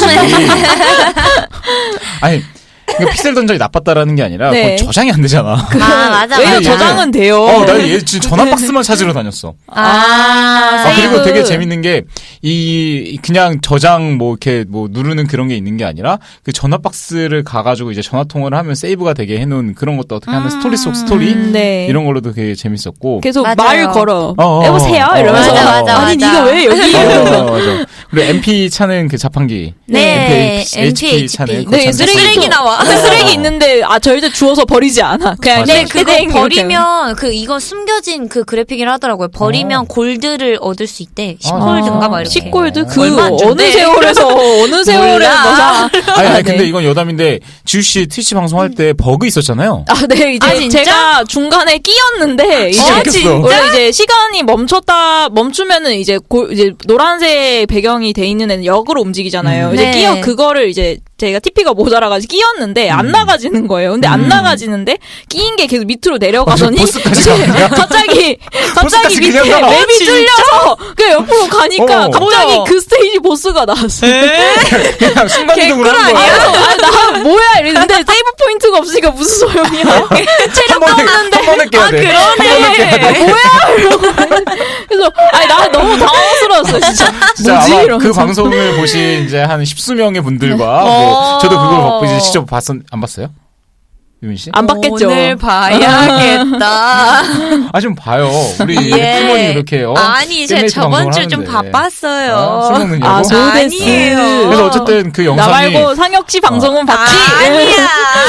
[SPEAKER 1] 아니. 그러니까 픽셀 던전이 나빴다라는 게 아니라
[SPEAKER 2] 네.
[SPEAKER 1] 그건 저장이 안 되잖아.
[SPEAKER 3] 아, 맞아,
[SPEAKER 2] 왜요?
[SPEAKER 1] 아니,
[SPEAKER 3] 맞아.
[SPEAKER 2] 저장은 돼요.
[SPEAKER 1] 어, 나 얘 지금 전화 박스만 찾으러 다녔어.
[SPEAKER 3] 아,
[SPEAKER 1] 아,
[SPEAKER 3] 세이브.
[SPEAKER 1] 그리고 되게 재밌는 게, 이, 그냥 저장 뭐, 이렇게 뭐, 누르는 그런 게 있는 게 아니라, 그 전화 박스를 가가지고 이제 전화통화를 하면 세이브가 되게 해놓은 그런 것도 어떻게 하는 스토리 속 스토리?
[SPEAKER 2] 음, 네.
[SPEAKER 1] 이런 걸로도 되게 재밌었고.
[SPEAKER 2] 계속
[SPEAKER 3] 맞아요.
[SPEAKER 2] 말 걸어.
[SPEAKER 1] 어, 어,
[SPEAKER 2] 여보세요?
[SPEAKER 1] 어,
[SPEAKER 2] 이러면서.
[SPEAKER 1] 맞아,
[SPEAKER 3] 맞아,
[SPEAKER 2] 아니,
[SPEAKER 3] 맞아.
[SPEAKER 2] 네가 왜 여기?
[SPEAKER 1] 어,
[SPEAKER 2] 이러면서.
[SPEAKER 1] 맞아. 그리고 엠피 차는 그 자판기.
[SPEAKER 3] 네,
[SPEAKER 1] 엠피, 에이치피 차는
[SPEAKER 3] 엠피,
[SPEAKER 1] 그거
[SPEAKER 2] 네,
[SPEAKER 1] 참
[SPEAKER 2] 쓰레기,
[SPEAKER 1] 샀어요.
[SPEAKER 3] 쓰레기 나와.
[SPEAKER 2] 근데 쓰레기 있는데, 아, 절대 주워서 버리지 않아. 그냥,
[SPEAKER 1] 맞아.
[SPEAKER 3] 네,
[SPEAKER 1] 맞아요.
[SPEAKER 3] 그거
[SPEAKER 2] 땡, 이렇게.
[SPEAKER 3] 버리면, 그, 이건 숨겨진 그 그래픽이라 하더라고요. 버리면
[SPEAKER 1] 어.
[SPEAKER 3] 골드를 얻을 수 있대. 십
[SPEAKER 1] 아,
[SPEAKER 3] 골드인가 막 이렇게.
[SPEAKER 2] 십 골드? 그,
[SPEAKER 3] 얼마 안
[SPEAKER 2] 어느
[SPEAKER 3] 준대.
[SPEAKER 2] 세월에서, 어느 세월에
[SPEAKER 3] 몰라.
[SPEAKER 2] 뭐 사.
[SPEAKER 1] 아니, 아니,
[SPEAKER 2] 네.
[SPEAKER 1] 근데 이건 여담인데, 지우씨 트위치 방송할 때 버그 있었잖아요.
[SPEAKER 2] 아, 네, 이제
[SPEAKER 3] 아, 진짜?
[SPEAKER 2] 제가 중간에 끼었는데, 이제,
[SPEAKER 1] 진짜 웃겼어.
[SPEAKER 2] 원래 이제 시간이 멈췄다, 멈추면은 이제, 고, 이제 노란색 배경이 돼 있는 애는 역으로 움직이잖아요.
[SPEAKER 1] 음.
[SPEAKER 2] 이제
[SPEAKER 3] 네.
[SPEAKER 2] 끼어, 그거를 이제, 제가 티피가 모자라가지고 끼었는데, 안
[SPEAKER 1] 음.
[SPEAKER 2] 나가지는 거예요. 근데 안
[SPEAKER 1] 음.
[SPEAKER 2] 나가지는데, 끼인 게 계속 밑으로 내려가더니,
[SPEAKER 1] 어, 보스까지
[SPEAKER 2] 이제
[SPEAKER 1] 가네요?
[SPEAKER 2] 갑자기, 갑자기
[SPEAKER 1] 보스까지
[SPEAKER 2] 밑에
[SPEAKER 1] 그냥 가.
[SPEAKER 2] 맵이 뚫려서, 그 옆으로 가니까,
[SPEAKER 1] 어.
[SPEAKER 2] 갑자기
[SPEAKER 3] 뭐야?
[SPEAKER 2] 그 스테이지 보스가 나왔어요.
[SPEAKER 1] 그냥 순간이동을 한 거야.
[SPEAKER 2] 그래서 아, 나 뭐야 이랬는데 세이브 포인트가 없으니까 무슨 소용이야.
[SPEAKER 1] 한 번에, 한 번에 깨야 돼. 한 번에 깨야 돼.
[SPEAKER 2] 뭐야 이러고 그래서 아니 나 너무 당황스러웠어 진짜.
[SPEAKER 1] 진짜
[SPEAKER 2] 뭐지
[SPEAKER 1] 아마
[SPEAKER 2] 이러면서.
[SPEAKER 1] 그 방송을 보신 이제 한 십수명의 분들과
[SPEAKER 3] 어.
[SPEAKER 1] 뭐 저도 그걸 받고 이제 직접 봤었 안 봤어요? 유민 씨?
[SPEAKER 2] 안 받겠죠.
[SPEAKER 3] 오늘 봐야겠다.
[SPEAKER 1] 아 좀 봐요. 우리
[SPEAKER 3] 예.
[SPEAKER 1] 팀원이 이렇게 어,
[SPEAKER 3] 아니, 제가
[SPEAKER 1] 깻메이트
[SPEAKER 3] 저번
[SPEAKER 1] 방송을
[SPEAKER 3] 주 좀
[SPEAKER 1] 하는데.
[SPEAKER 3] 바빴어요.
[SPEAKER 1] 아, 술 먹느냐고?
[SPEAKER 2] 아 소데스.
[SPEAKER 3] 아니에요.
[SPEAKER 1] 그래서 어쨌든 그
[SPEAKER 2] 나
[SPEAKER 1] 영상이
[SPEAKER 2] 말고 상혁 씨 방송은 봤지.
[SPEAKER 3] 아니야.
[SPEAKER 1] 아,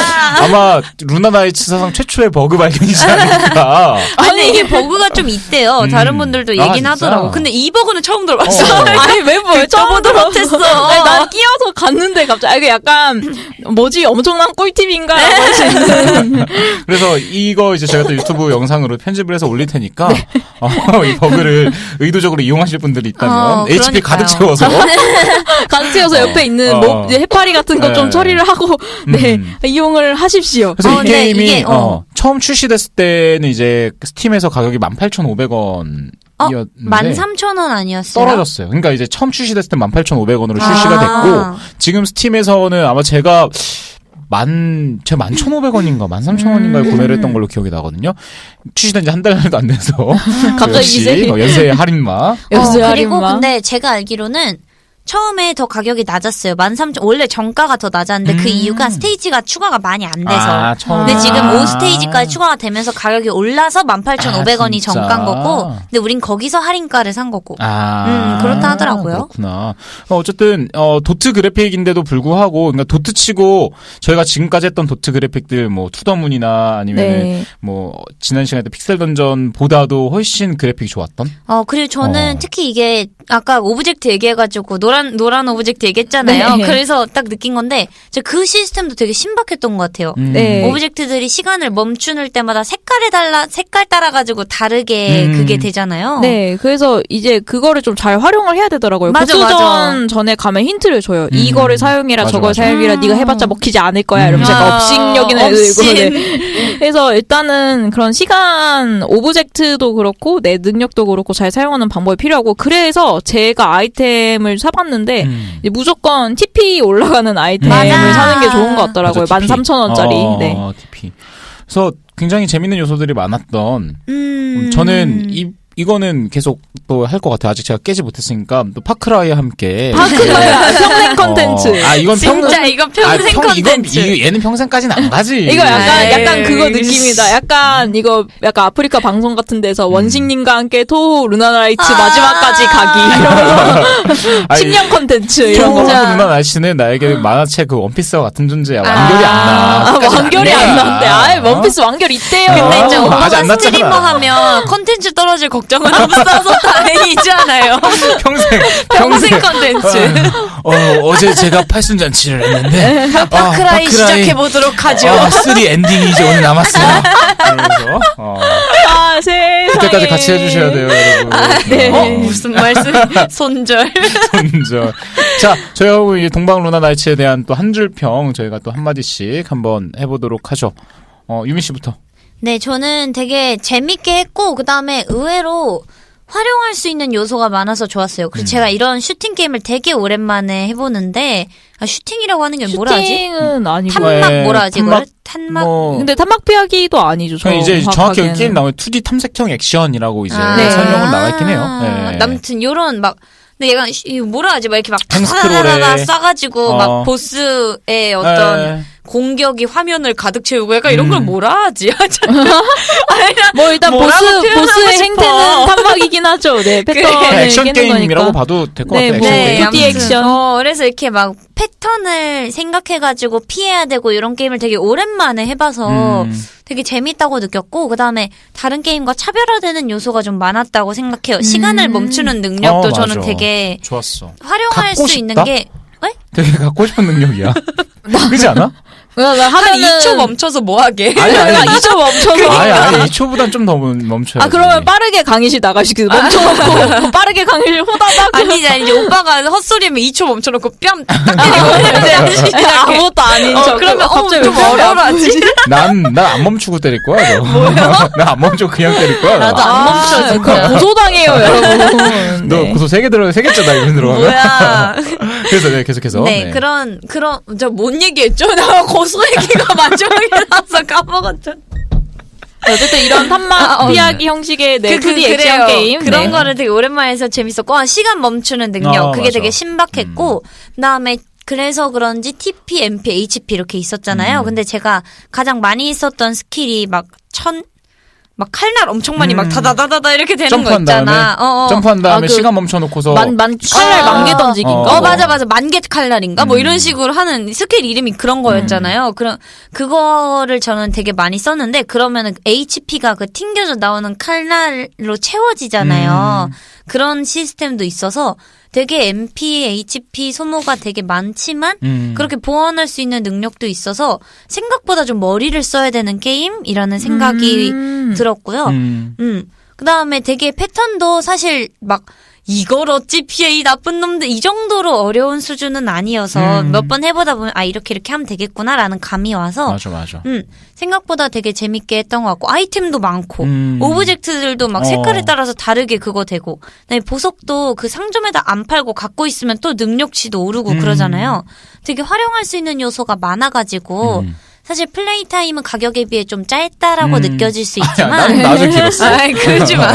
[SPEAKER 1] 아마 루나나이츠 사상 최초의 버그 발견이지 않을까.
[SPEAKER 3] 아니 이게 버그가 좀 있대요.
[SPEAKER 1] 음.
[SPEAKER 3] 다른 분들도
[SPEAKER 1] 아,
[SPEAKER 3] 얘긴
[SPEAKER 1] 진짜?
[SPEAKER 3] 하더라고. 근데 이 버그는 처음 들어봤어.
[SPEAKER 1] 어.
[SPEAKER 2] 아니 왜 뭐야? 처음
[SPEAKER 3] 저보다 못했어.
[SPEAKER 2] 아니, 난 끼어서 갔는데 갑자기 아, 이게 약간 뭐지 엄청난 꿀팁인가라고 할 수 있는.
[SPEAKER 1] 그래서 이거 이제 제가 또 유튜브 영상으로 편집을 해서 올릴 테니까 어, 이 버그를 의도적으로 이용하실 분들이 있다면
[SPEAKER 3] 어,
[SPEAKER 1] 에이치피
[SPEAKER 3] 그러니까요.
[SPEAKER 1] 가득 채워서
[SPEAKER 2] 강치여서
[SPEAKER 1] 어.
[SPEAKER 2] 옆에 있는
[SPEAKER 1] 어.
[SPEAKER 2] 뭐 이제 해파리 같은 거 좀
[SPEAKER 1] 네.
[SPEAKER 2] 처리를 하고 네
[SPEAKER 1] 음.
[SPEAKER 2] 이용을 하십시오.
[SPEAKER 1] 그래서
[SPEAKER 3] 어,
[SPEAKER 1] 이
[SPEAKER 3] 근데
[SPEAKER 1] 게임이
[SPEAKER 3] 이게, 어.
[SPEAKER 1] 어, 처음 출시됐을 때는 이제 스팀에서 가격이 만 팔천오백 원이었는데
[SPEAKER 3] 어? 만 삼천 원 아니었어요?
[SPEAKER 1] 떨어졌어요. 그러니까 이제 처음 출시됐을 때 만 팔천오백 원으로
[SPEAKER 3] 아.
[SPEAKER 1] 출시가 됐고 지금 스팀에서는 아마 제가 만, 제가 만 천오백 원인가, 만 삼천 원인가에
[SPEAKER 3] 음.
[SPEAKER 1] 구매를 했던 걸로 기억이 나거든요. 출시된 지 한 달도 안 돼서.
[SPEAKER 2] 갑자기
[SPEAKER 1] 역시
[SPEAKER 2] 이제
[SPEAKER 1] 어, 연세의 할인마.
[SPEAKER 2] 연세
[SPEAKER 3] 어, 그리고
[SPEAKER 2] 할인마.
[SPEAKER 3] 근데 제가 알기로는 처음에 더 가격이 낮았어요. 만 삼천 원래 정가가 더 낮았는데 그
[SPEAKER 1] 음.
[SPEAKER 3] 이유가 스테이지가 추가가 많이 안 돼서.
[SPEAKER 1] 아, 처음에.
[SPEAKER 3] 근데 지금
[SPEAKER 2] 아.
[SPEAKER 3] 오 스테이지까지 추가가 되면서 가격이 올라서 만 팔천오백 원이
[SPEAKER 1] 아, 진짜?
[SPEAKER 3] 정가인 거고, 근데 우린 거기서 할인가를 산 거고.
[SPEAKER 1] 아,
[SPEAKER 3] 음, 그렇다 하더라고요.
[SPEAKER 1] 그렇구나. 어, 어쨌든 어, 도트 그래픽인데도 불구하고, 그러니까 도트 치고 저희가 지금까지 했던 도트 그래픽들, 뭐 투더문이나 아니면
[SPEAKER 2] 네.
[SPEAKER 1] 뭐 지난 시간에 때 픽셀 던전보다도 훨씬 그래픽이 좋았던.
[SPEAKER 3] 어, 그리고 저는
[SPEAKER 1] 어.
[SPEAKER 3] 특히 이게 아까 오브젝트 얘기해가지고 노란, 노란 오브젝트 얘기했잖아요.
[SPEAKER 2] 네.
[SPEAKER 3] 그래서 딱 느낀 건데, 저 그 시스템도 되게 신박했던 것 같아요.
[SPEAKER 1] 음.
[SPEAKER 2] 네.
[SPEAKER 3] 오브젝트들이 시간을 멈추는 때마다 색깔에 달라, 색깔 따라가지고 다르게
[SPEAKER 1] 음.
[SPEAKER 3] 그게 되잖아요.
[SPEAKER 2] 네, 그래서 이제 그거를 좀 잘 활용을 해야 되더라고요.
[SPEAKER 3] 맞아,
[SPEAKER 2] 보스전
[SPEAKER 3] 맞아.
[SPEAKER 2] 전에 가면 힌트를 줘요.
[SPEAKER 1] 음.
[SPEAKER 2] 이거를 사용해라,
[SPEAKER 1] 맞아,
[SPEAKER 2] 저걸
[SPEAKER 1] 맞아.
[SPEAKER 2] 사용해라,
[SPEAKER 3] 음.
[SPEAKER 2] 네가 해봤자 먹히지 않을 거야. 이러면서
[SPEAKER 1] 음.
[SPEAKER 2] 약간
[SPEAKER 3] 아,
[SPEAKER 2] 업식력이나 애들 이거.
[SPEAKER 3] 업신.
[SPEAKER 2] 네. 그래서 일단은 그런 시간 오브젝트도 그렇고 내 능력도 그렇고 잘 사용하는 방법이 필요하고 그래서 제가 아이템을 사봤는데
[SPEAKER 1] 음.
[SPEAKER 2] 이제 무조건 티피 올라가는 아이템을
[SPEAKER 3] 맞아.
[SPEAKER 2] 사는 게 좋은 것 같더라고요.
[SPEAKER 1] 맞아,
[SPEAKER 2] 만 삼천 원짜리.
[SPEAKER 1] 어,
[SPEAKER 2] 네.
[SPEAKER 1] 어, 티피. 그래서 굉장히 재밌는 요소들이 많았던.
[SPEAKER 3] 음.
[SPEAKER 1] 저는 이 이거는 계속 또 할 것 같아요. 아직 제가 깨지 못했으니까 또 파크라이와 함께.
[SPEAKER 2] 파크라이 평생 컨텐츠.
[SPEAKER 1] 어, 아 이건
[SPEAKER 3] 진짜
[SPEAKER 1] 평생.
[SPEAKER 3] 이거 평생
[SPEAKER 1] 아, 평- 이건
[SPEAKER 3] 컨텐츠.
[SPEAKER 1] 이- 얘는 평생까지는 안 가지.
[SPEAKER 2] 이거 약간
[SPEAKER 3] 에이,
[SPEAKER 2] 약간 그거
[SPEAKER 3] 에이.
[SPEAKER 2] 느낌이다. 약간 이거 약간 아프리카 방송 같은 데서
[SPEAKER 1] 음.
[SPEAKER 2] 원식님과 함께 토 루나라이츠
[SPEAKER 3] 아.
[SPEAKER 2] 마지막까지 가기 이러면서
[SPEAKER 1] 아니,
[SPEAKER 2] 식량 컨텐츠 이런 거.
[SPEAKER 3] 진짜.
[SPEAKER 1] 누나 날씨는 나에게 만화책 그 원피스와 같은 존재야. 완결이 안 나.
[SPEAKER 2] 아,
[SPEAKER 1] 끝까지
[SPEAKER 2] 완결이
[SPEAKER 1] 안
[SPEAKER 2] 안
[SPEAKER 1] 나.
[SPEAKER 2] 나는데 아예 원피스 완결 있대요.
[SPEAKER 3] 근데 이제
[SPEAKER 1] 어,
[SPEAKER 3] 오빠가
[SPEAKER 1] 아직 안 났잖아.
[SPEAKER 3] 스트리머 하면 컨텐츠 떨어질 걱정은 없어서 다행이잖아요.
[SPEAKER 1] 평생
[SPEAKER 3] 평생 컨텐츠.
[SPEAKER 1] 어, 어제 제가 팔순잔치를 했는데 아,
[SPEAKER 3] 파크라이 시작해보도록 하죠.
[SPEAKER 1] 아, 쓰리 엔딩이 이제 오늘 남았어요. 그래서 어,
[SPEAKER 2] 아 세상에.
[SPEAKER 1] 그때까지 같이 해주셔야 돼요, 여러분.
[SPEAKER 2] 네.
[SPEAKER 3] 어, 무슨 말씀? 손절.
[SPEAKER 1] 손절. 자, 저희하고 이 동방 루나 나이츠에 대한 또 한 줄 평 저희가 또 한 마디씩 한번 해보도록 하죠. 어, 유미 씨부터.
[SPEAKER 3] 네, 저는 되게 재밌게 했고, 그 다음에 의외로 활용할 수 있는 요소가 많아서 좋았어요. 그리고
[SPEAKER 1] 음.
[SPEAKER 3] 제가 이런 슈팅 게임을 되게 오랜만에 해보는데, 아, 슈팅이라고 하는 게 뭐라 하지?
[SPEAKER 2] 슈팅은 아니고.
[SPEAKER 3] 탄막
[SPEAKER 1] 네,
[SPEAKER 3] 뭐라 하지?
[SPEAKER 1] 탄막,
[SPEAKER 3] 이거를? 탄막.
[SPEAKER 1] 뭐,
[SPEAKER 2] 근데 탄막 피하기도 아니죠.
[SPEAKER 1] 그냥 이제 정확히
[SPEAKER 2] 정확하게는.
[SPEAKER 1] 게임 나오면 투디 탐색형 액션이라고 이제
[SPEAKER 3] 아.
[SPEAKER 2] 네.
[SPEAKER 1] 설명은 나와 있긴 해요. 네.
[SPEAKER 3] 아무튼 요런 막 근데 얘가 이 뭐라 하지 막 이렇게 막
[SPEAKER 1] 탱스크롤에.
[SPEAKER 3] 타다다다 쏴가지고
[SPEAKER 1] 어.
[SPEAKER 3] 막 보스의 어떤
[SPEAKER 1] 네.
[SPEAKER 3] 공격이 화면을 가득 채우고 약간 이런
[SPEAKER 1] 음.
[SPEAKER 3] 걸 뭐라 하지?
[SPEAKER 2] 뭐 일단 보스
[SPEAKER 3] 뭐라고 표현하고
[SPEAKER 2] 보스의
[SPEAKER 3] 싶어.
[SPEAKER 2] 행태는 탄막이긴 하죠. 네 패턴을
[SPEAKER 1] 액션
[SPEAKER 2] 깨는
[SPEAKER 1] 게임이라고
[SPEAKER 2] 거니까.
[SPEAKER 1] 봐도 될 것
[SPEAKER 2] 네,
[SPEAKER 1] 같아요.
[SPEAKER 2] 뭐,
[SPEAKER 1] 액션
[SPEAKER 2] 네,
[SPEAKER 1] 게임.
[SPEAKER 2] 투디 액션.
[SPEAKER 3] 어, 그래서 이렇게 막 패턴을 생각해가지고 피해야 되고 이런 게임을 되게 오랜만에 해봐서
[SPEAKER 1] 음.
[SPEAKER 3] 되게 재밌다고 느꼈고 그 다음에 다른 게임과 차별화되는 요소가 좀 많았다고 생각해요. 시간을 멈추는 능력도
[SPEAKER 1] 어,
[SPEAKER 3] 저는
[SPEAKER 1] 맞아.
[SPEAKER 3] 되게
[SPEAKER 1] 좋았어.
[SPEAKER 3] 활용할
[SPEAKER 1] 갖고
[SPEAKER 3] 수 있는
[SPEAKER 1] 싶다?
[SPEAKER 3] 게 왜?
[SPEAKER 1] 되게 갖고 싶은 능력이야. 그렇지 않아?
[SPEAKER 2] 그러니까
[SPEAKER 3] 한
[SPEAKER 2] 하면은
[SPEAKER 3] 이 초 멈춰서 뭐 하게?
[SPEAKER 1] 아니 아니.
[SPEAKER 2] 이 초 멈춰서.
[SPEAKER 1] 아니 아니 이 초보단 좀 더 멈춰야
[SPEAKER 2] 아 그러면 빠르게 강의실 나가시고 멈춰놓고 빠르게 강의실 호다닥
[SPEAKER 3] 아니지 아니지 오빠가 헛소리하면 이 초 멈춰놓고 뺨 딱
[SPEAKER 2] 아,
[SPEAKER 3] 때리고
[SPEAKER 2] 네. 아무것도 아닌
[SPEAKER 3] 어,
[SPEAKER 2] 척.
[SPEAKER 3] 그러면 어,
[SPEAKER 2] 갑자기
[SPEAKER 3] 좀
[SPEAKER 2] 왜 머리
[SPEAKER 3] 뭐라 하지?
[SPEAKER 2] 아프지?
[SPEAKER 1] 난난 안 멈추고 때릴 거야. 뭐야? 난안 멈추고 그냥 때릴 거야.
[SPEAKER 3] 나도 안
[SPEAKER 2] 아,
[SPEAKER 3] 멈춰, 진짜.
[SPEAKER 2] 그거 고소당해요 여러분.
[SPEAKER 1] 너
[SPEAKER 2] 네.
[SPEAKER 1] 고소 세 개 들어 세 개째다 이런 들어가면.
[SPEAKER 3] 뭐야?
[SPEAKER 1] 그래서 네 계속해서.
[SPEAKER 3] 네, 그런 그런 저 뭔 얘기했죠? 나 고소 얘기가 마지막에 나와서 까먹었죠.
[SPEAKER 2] 어쨌든 이런 탄막
[SPEAKER 3] 아, 어.
[SPEAKER 2] 피하기 형식의 네,
[SPEAKER 3] 그, 그,
[SPEAKER 2] 투디 액션
[SPEAKER 3] 그래요.
[SPEAKER 2] 게임
[SPEAKER 3] 그런
[SPEAKER 2] 네.
[SPEAKER 3] 거를 되게 오랜만에 해서 재밌었고 아, 시간 멈추는 능력
[SPEAKER 1] 어,
[SPEAKER 3] 그게
[SPEAKER 1] 맞아.
[SPEAKER 3] 되게 신박했고 그다음에 그래서 그런지 티피, 엠피, 에이치피 이렇게 있었잖아요.
[SPEAKER 1] 음.
[SPEAKER 3] 근데 제가 가장 많이 있었던 스킬이 막 천 막 칼날 엄청 많이
[SPEAKER 1] 음.
[SPEAKER 3] 막 다다다다다 이렇게 되는
[SPEAKER 1] 점프한
[SPEAKER 3] 거 있잖아.
[SPEAKER 1] 다음에,
[SPEAKER 3] 어, 어.
[SPEAKER 1] 점프한 다음에
[SPEAKER 2] 아, 그
[SPEAKER 1] 시간 멈춰놓고서
[SPEAKER 2] 만, 만, 칼날
[SPEAKER 3] 아.
[SPEAKER 2] 만개 던지기인가?
[SPEAKER 1] 어.
[SPEAKER 3] 어, 맞아, 맞아. 만개 칼날인가? 뭐
[SPEAKER 1] 음.
[SPEAKER 3] 이런 식으로 하는 스킬 이름이 그런 거였잖아요. 그럼, 그거를 저는 되게 많이 썼는데, 그러면은 에이치피가 그 튕겨져 나오는 칼날로 채워지잖아요.
[SPEAKER 1] 음.
[SPEAKER 3] 그런 시스템도 있어서 되게 엠피, 에이치피 소모가 되게 많지만,
[SPEAKER 1] 음.
[SPEAKER 3] 그렇게 보완할 수 있는 능력도 있어서 생각보다 좀 머리를 써야 되는 게임이라는 생각이
[SPEAKER 2] 음.
[SPEAKER 3] 들었고요.
[SPEAKER 1] 음.
[SPEAKER 3] 음. 그 다음에 되게 패턴도 사실 막 이걸 어찌 피해 이 나쁜 놈들 이 정도로 어려운 수준은 아니어서
[SPEAKER 1] 음.
[SPEAKER 3] 몇 번 해보다 보면 아 이렇게 이렇게 하면 되겠구나라는 감이 와서
[SPEAKER 1] 맞아, 맞아.
[SPEAKER 3] 음 생각보다 되게 재밌게 했던 것 같고 아이템도 많고
[SPEAKER 1] 음.
[SPEAKER 3] 오브젝트들도 막
[SPEAKER 1] 어.
[SPEAKER 3] 색깔에 따라서 다르게 그거 되고 그다음에 보석도 그 상점에다 안 팔고 갖고 있으면 또 능력치도 오르고
[SPEAKER 1] 음.
[SPEAKER 3] 그러잖아요. 되게 활용할 수 있는 요소가 많아가지고
[SPEAKER 1] 음.
[SPEAKER 3] 사실 플레이 타임은 가격에 비해 좀 짧다라고
[SPEAKER 1] 음.
[SPEAKER 3] 느껴질 수
[SPEAKER 1] 아니야,
[SPEAKER 3] 있지만
[SPEAKER 1] 나는 나도 길었어.
[SPEAKER 3] 아이, 그러지 마.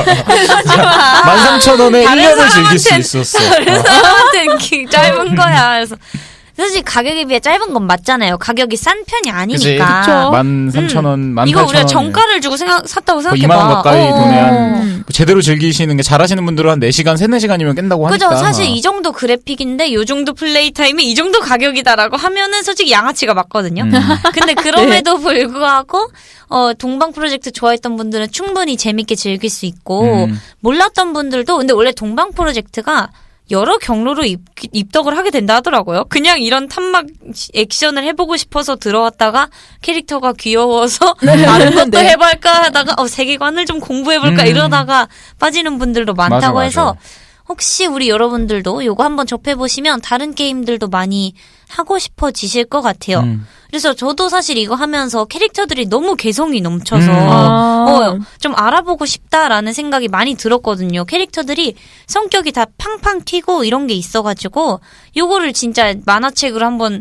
[SPEAKER 3] 그러지 마.
[SPEAKER 1] 만 삼천 원에 일
[SPEAKER 3] 다른
[SPEAKER 1] 년을 즐길 수
[SPEAKER 3] 사람한텐-
[SPEAKER 1] 있었어.
[SPEAKER 3] 다른 사람한테는 기- 짧은 거야. 그래서 사실 가격에 비해 짧은 건 맞잖아요. 가격이 싼 편이 아니니까.
[SPEAKER 2] 그쵸.
[SPEAKER 1] 만 삼천 원, 만
[SPEAKER 3] 이거
[SPEAKER 1] 팔천 원.
[SPEAKER 3] 우리가 정가를 주고 생각 샀다고 생각해봐.
[SPEAKER 1] 이만 원 가까이
[SPEAKER 3] 어,
[SPEAKER 1] 돈에
[SPEAKER 3] 어.
[SPEAKER 1] 한 제대로 즐기시는 게 잘하시는 분들은 한 네 시간, 세, 네 시간이면 깬다고 하니까.
[SPEAKER 3] 그죠. 사실 이 정도 그래픽인데 요 정도 플레이 타임이 이 정도 가격이다라고 하면은 솔직히 양아치가 맞거든요.
[SPEAKER 1] 음.
[SPEAKER 3] 근데 그럼에도 불구하고 어 동방 프로젝트 좋아했던 분들은 충분히 재밌게 즐길 수 있고
[SPEAKER 1] 음.
[SPEAKER 3] 몰랐던 분들도 근데 원래 동방 프로젝트가 여러 경로로 입, 입덕을 하게 된다 하더라고요. 그냥 이런 탐막 액션을 해보고 싶어서 들어왔다가 캐릭터가 귀여워서 다른 것도
[SPEAKER 2] 네.
[SPEAKER 3] 해볼까 하다가 어, 세계관을 좀 공부해볼까
[SPEAKER 1] 음.
[SPEAKER 3] 이러다가 빠지는 분들도 많다고
[SPEAKER 1] 맞아,
[SPEAKER 3] 해서
[SPEAKER 1] 맞아.
[SPEAKER 3] 혹시 우리 여러분들도 요거 한번 접해보시면 다른 게임들도 많이 하고 싶어지실 것 같아요.
[SPEAKER 1] 음.
[SPEAKER 3] 그래서 저도 사실 이거 하면서 캐릭터들이 너무 개성이 넘쳐서
[SPEAKER 1] 음.
[SPEAKER 2] 아.
[SPEAKER 3] 어, 좀 알아보고 싶다라는 생각이 많이 들었거든요. 캐릭터들이 성격이 다 팡팡 튀고 이런 게 있어가지고 요거를 진짜 만화책으로 한번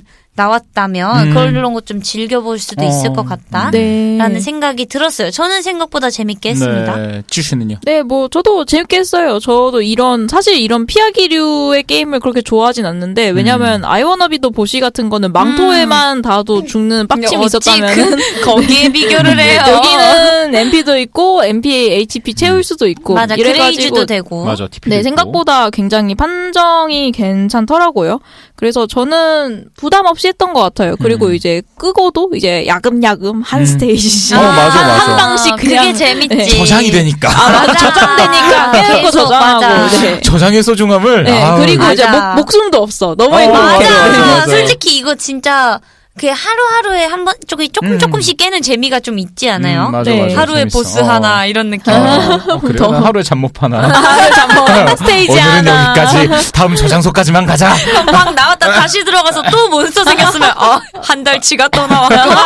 [SPEAKER 3] 나왔다면
[SPEAKER 1] 음.
[SPEAKER 3] 그런 것 좀 즐겨볼 수도 있을
[SPEAKER 1] 어.
[SPEAKER 3] 것 같다.
[SPEAKER 2] 네.
[SPEAKER 3] 라는 생각이 들었어요. 저는 생각보다 재밌게 했습니다.
[SPEAKER 1] 네. 찌씨는요?
[SPEAKER 2] 네, 뭐 저도 재밌게 했어요. 저도 이런 사실 이런 피하기류의 게임을 그렇게 좋아하진 않는데 왜냐면
[SPEAKER 1] 음.
[SPEAKER 2] 아이워너비도 보시 같은 거는 망토에만 닿아도 죽는 빡침이
[SPEAKER 3] 어찌
[SPEAKER 2] 있었다면은
[SPEAKER 3] 그, 거기에 비교를 해요.
[SPEAKER 2] 여기는 엠피도 있고 엠피, 에이치피 채울 수도 있고
[SPEAKER 3] 맞아.
[SPEAKER 2] 이래가지고
[SPEAKER 3] 그레이즈도 되고.
[SPEAKER 1] 맞아. 티피.
[SPEAKER 2] 네, 생각보다 굉장히 판정이 괜찮더라고요. 그래서 저는 부담 없이 했던 것 같아요. 그리고
[SPEAKER 1] 음.
[SPEAKER 2] 이제 끄고도 이제 야금야금 한
[SPEAKER 1] 음.
[SPEAKER 2] 스테이지
[SPEAKER 1] 어, 맞아, 맞아.
[SPEAKER 2] 한 방씩 그냥
[SPEAKER 3] 그게 재밌지.
[SPEAKER 2] 네.
[SPEAKER 1] 저장이 되니까.
[SPEAKER 2] 아, 맞아. 저장되니까 깨놓고
[SPEAKER 3] 계속,
[SPEAKER 2] 저장하고.
[SPEAKER 3] 맞아.
[SPEAKER 2] 네.
[SPEAKER 1] 저장의 소중함을.
[SPEAKER 2] 네,
[SPEAKER 1] 아우.
[SPEAKER 2] 그리고 이제
[SPEAKER 3] 맞아.
[SPEAKER 2] 목, 목숨도 없어. 너무
[SPEAKER 1] 어,
[SPEAKER 2] 행복해.
[SPEAKER 1] 맞아, 맞아,
[SPEAKER 3] 맞아.
[SPEAKER 1] 맞아.
[SPEAKER 3] 솔직히 이거 진짜 그 하루하루에 한 번 조금 조금
[SPEAKER 1] 음.
[SPEAKER 3] 조금씩 깨는 재미가 좀 있지 않아요?
[SPEAKER 1] 음, 맞아,
[SPEAKER 2] 네.
[SPEAKER 1] 맞아.
[SPEAKER 3] 하루에
[SPEAKER 1] 재밌어.
[SPEAKER 3] 보스
[SPEAKER 1] 어.
[SPEAKER 3] 하나 이런 느낌.
[SPEAKER 1] 어, 어, 그래.
[SPEAKER 2] 더.
[SPEAKER 1] 난 하루에 잠 못 파나.
[SPEAKER 2] 하루 잠깐 한 스테이지
[SPEAKER 1] 오늘은
[SPEAKER 2] 하나.
[SPEAKER 1] 여기까지. 다음 저장소까지만 가자.
[SPEAKER 3] 막 나왔다 다시 들어가서 또 몬스터 생겼으면 어, 한 달치가 또 나와.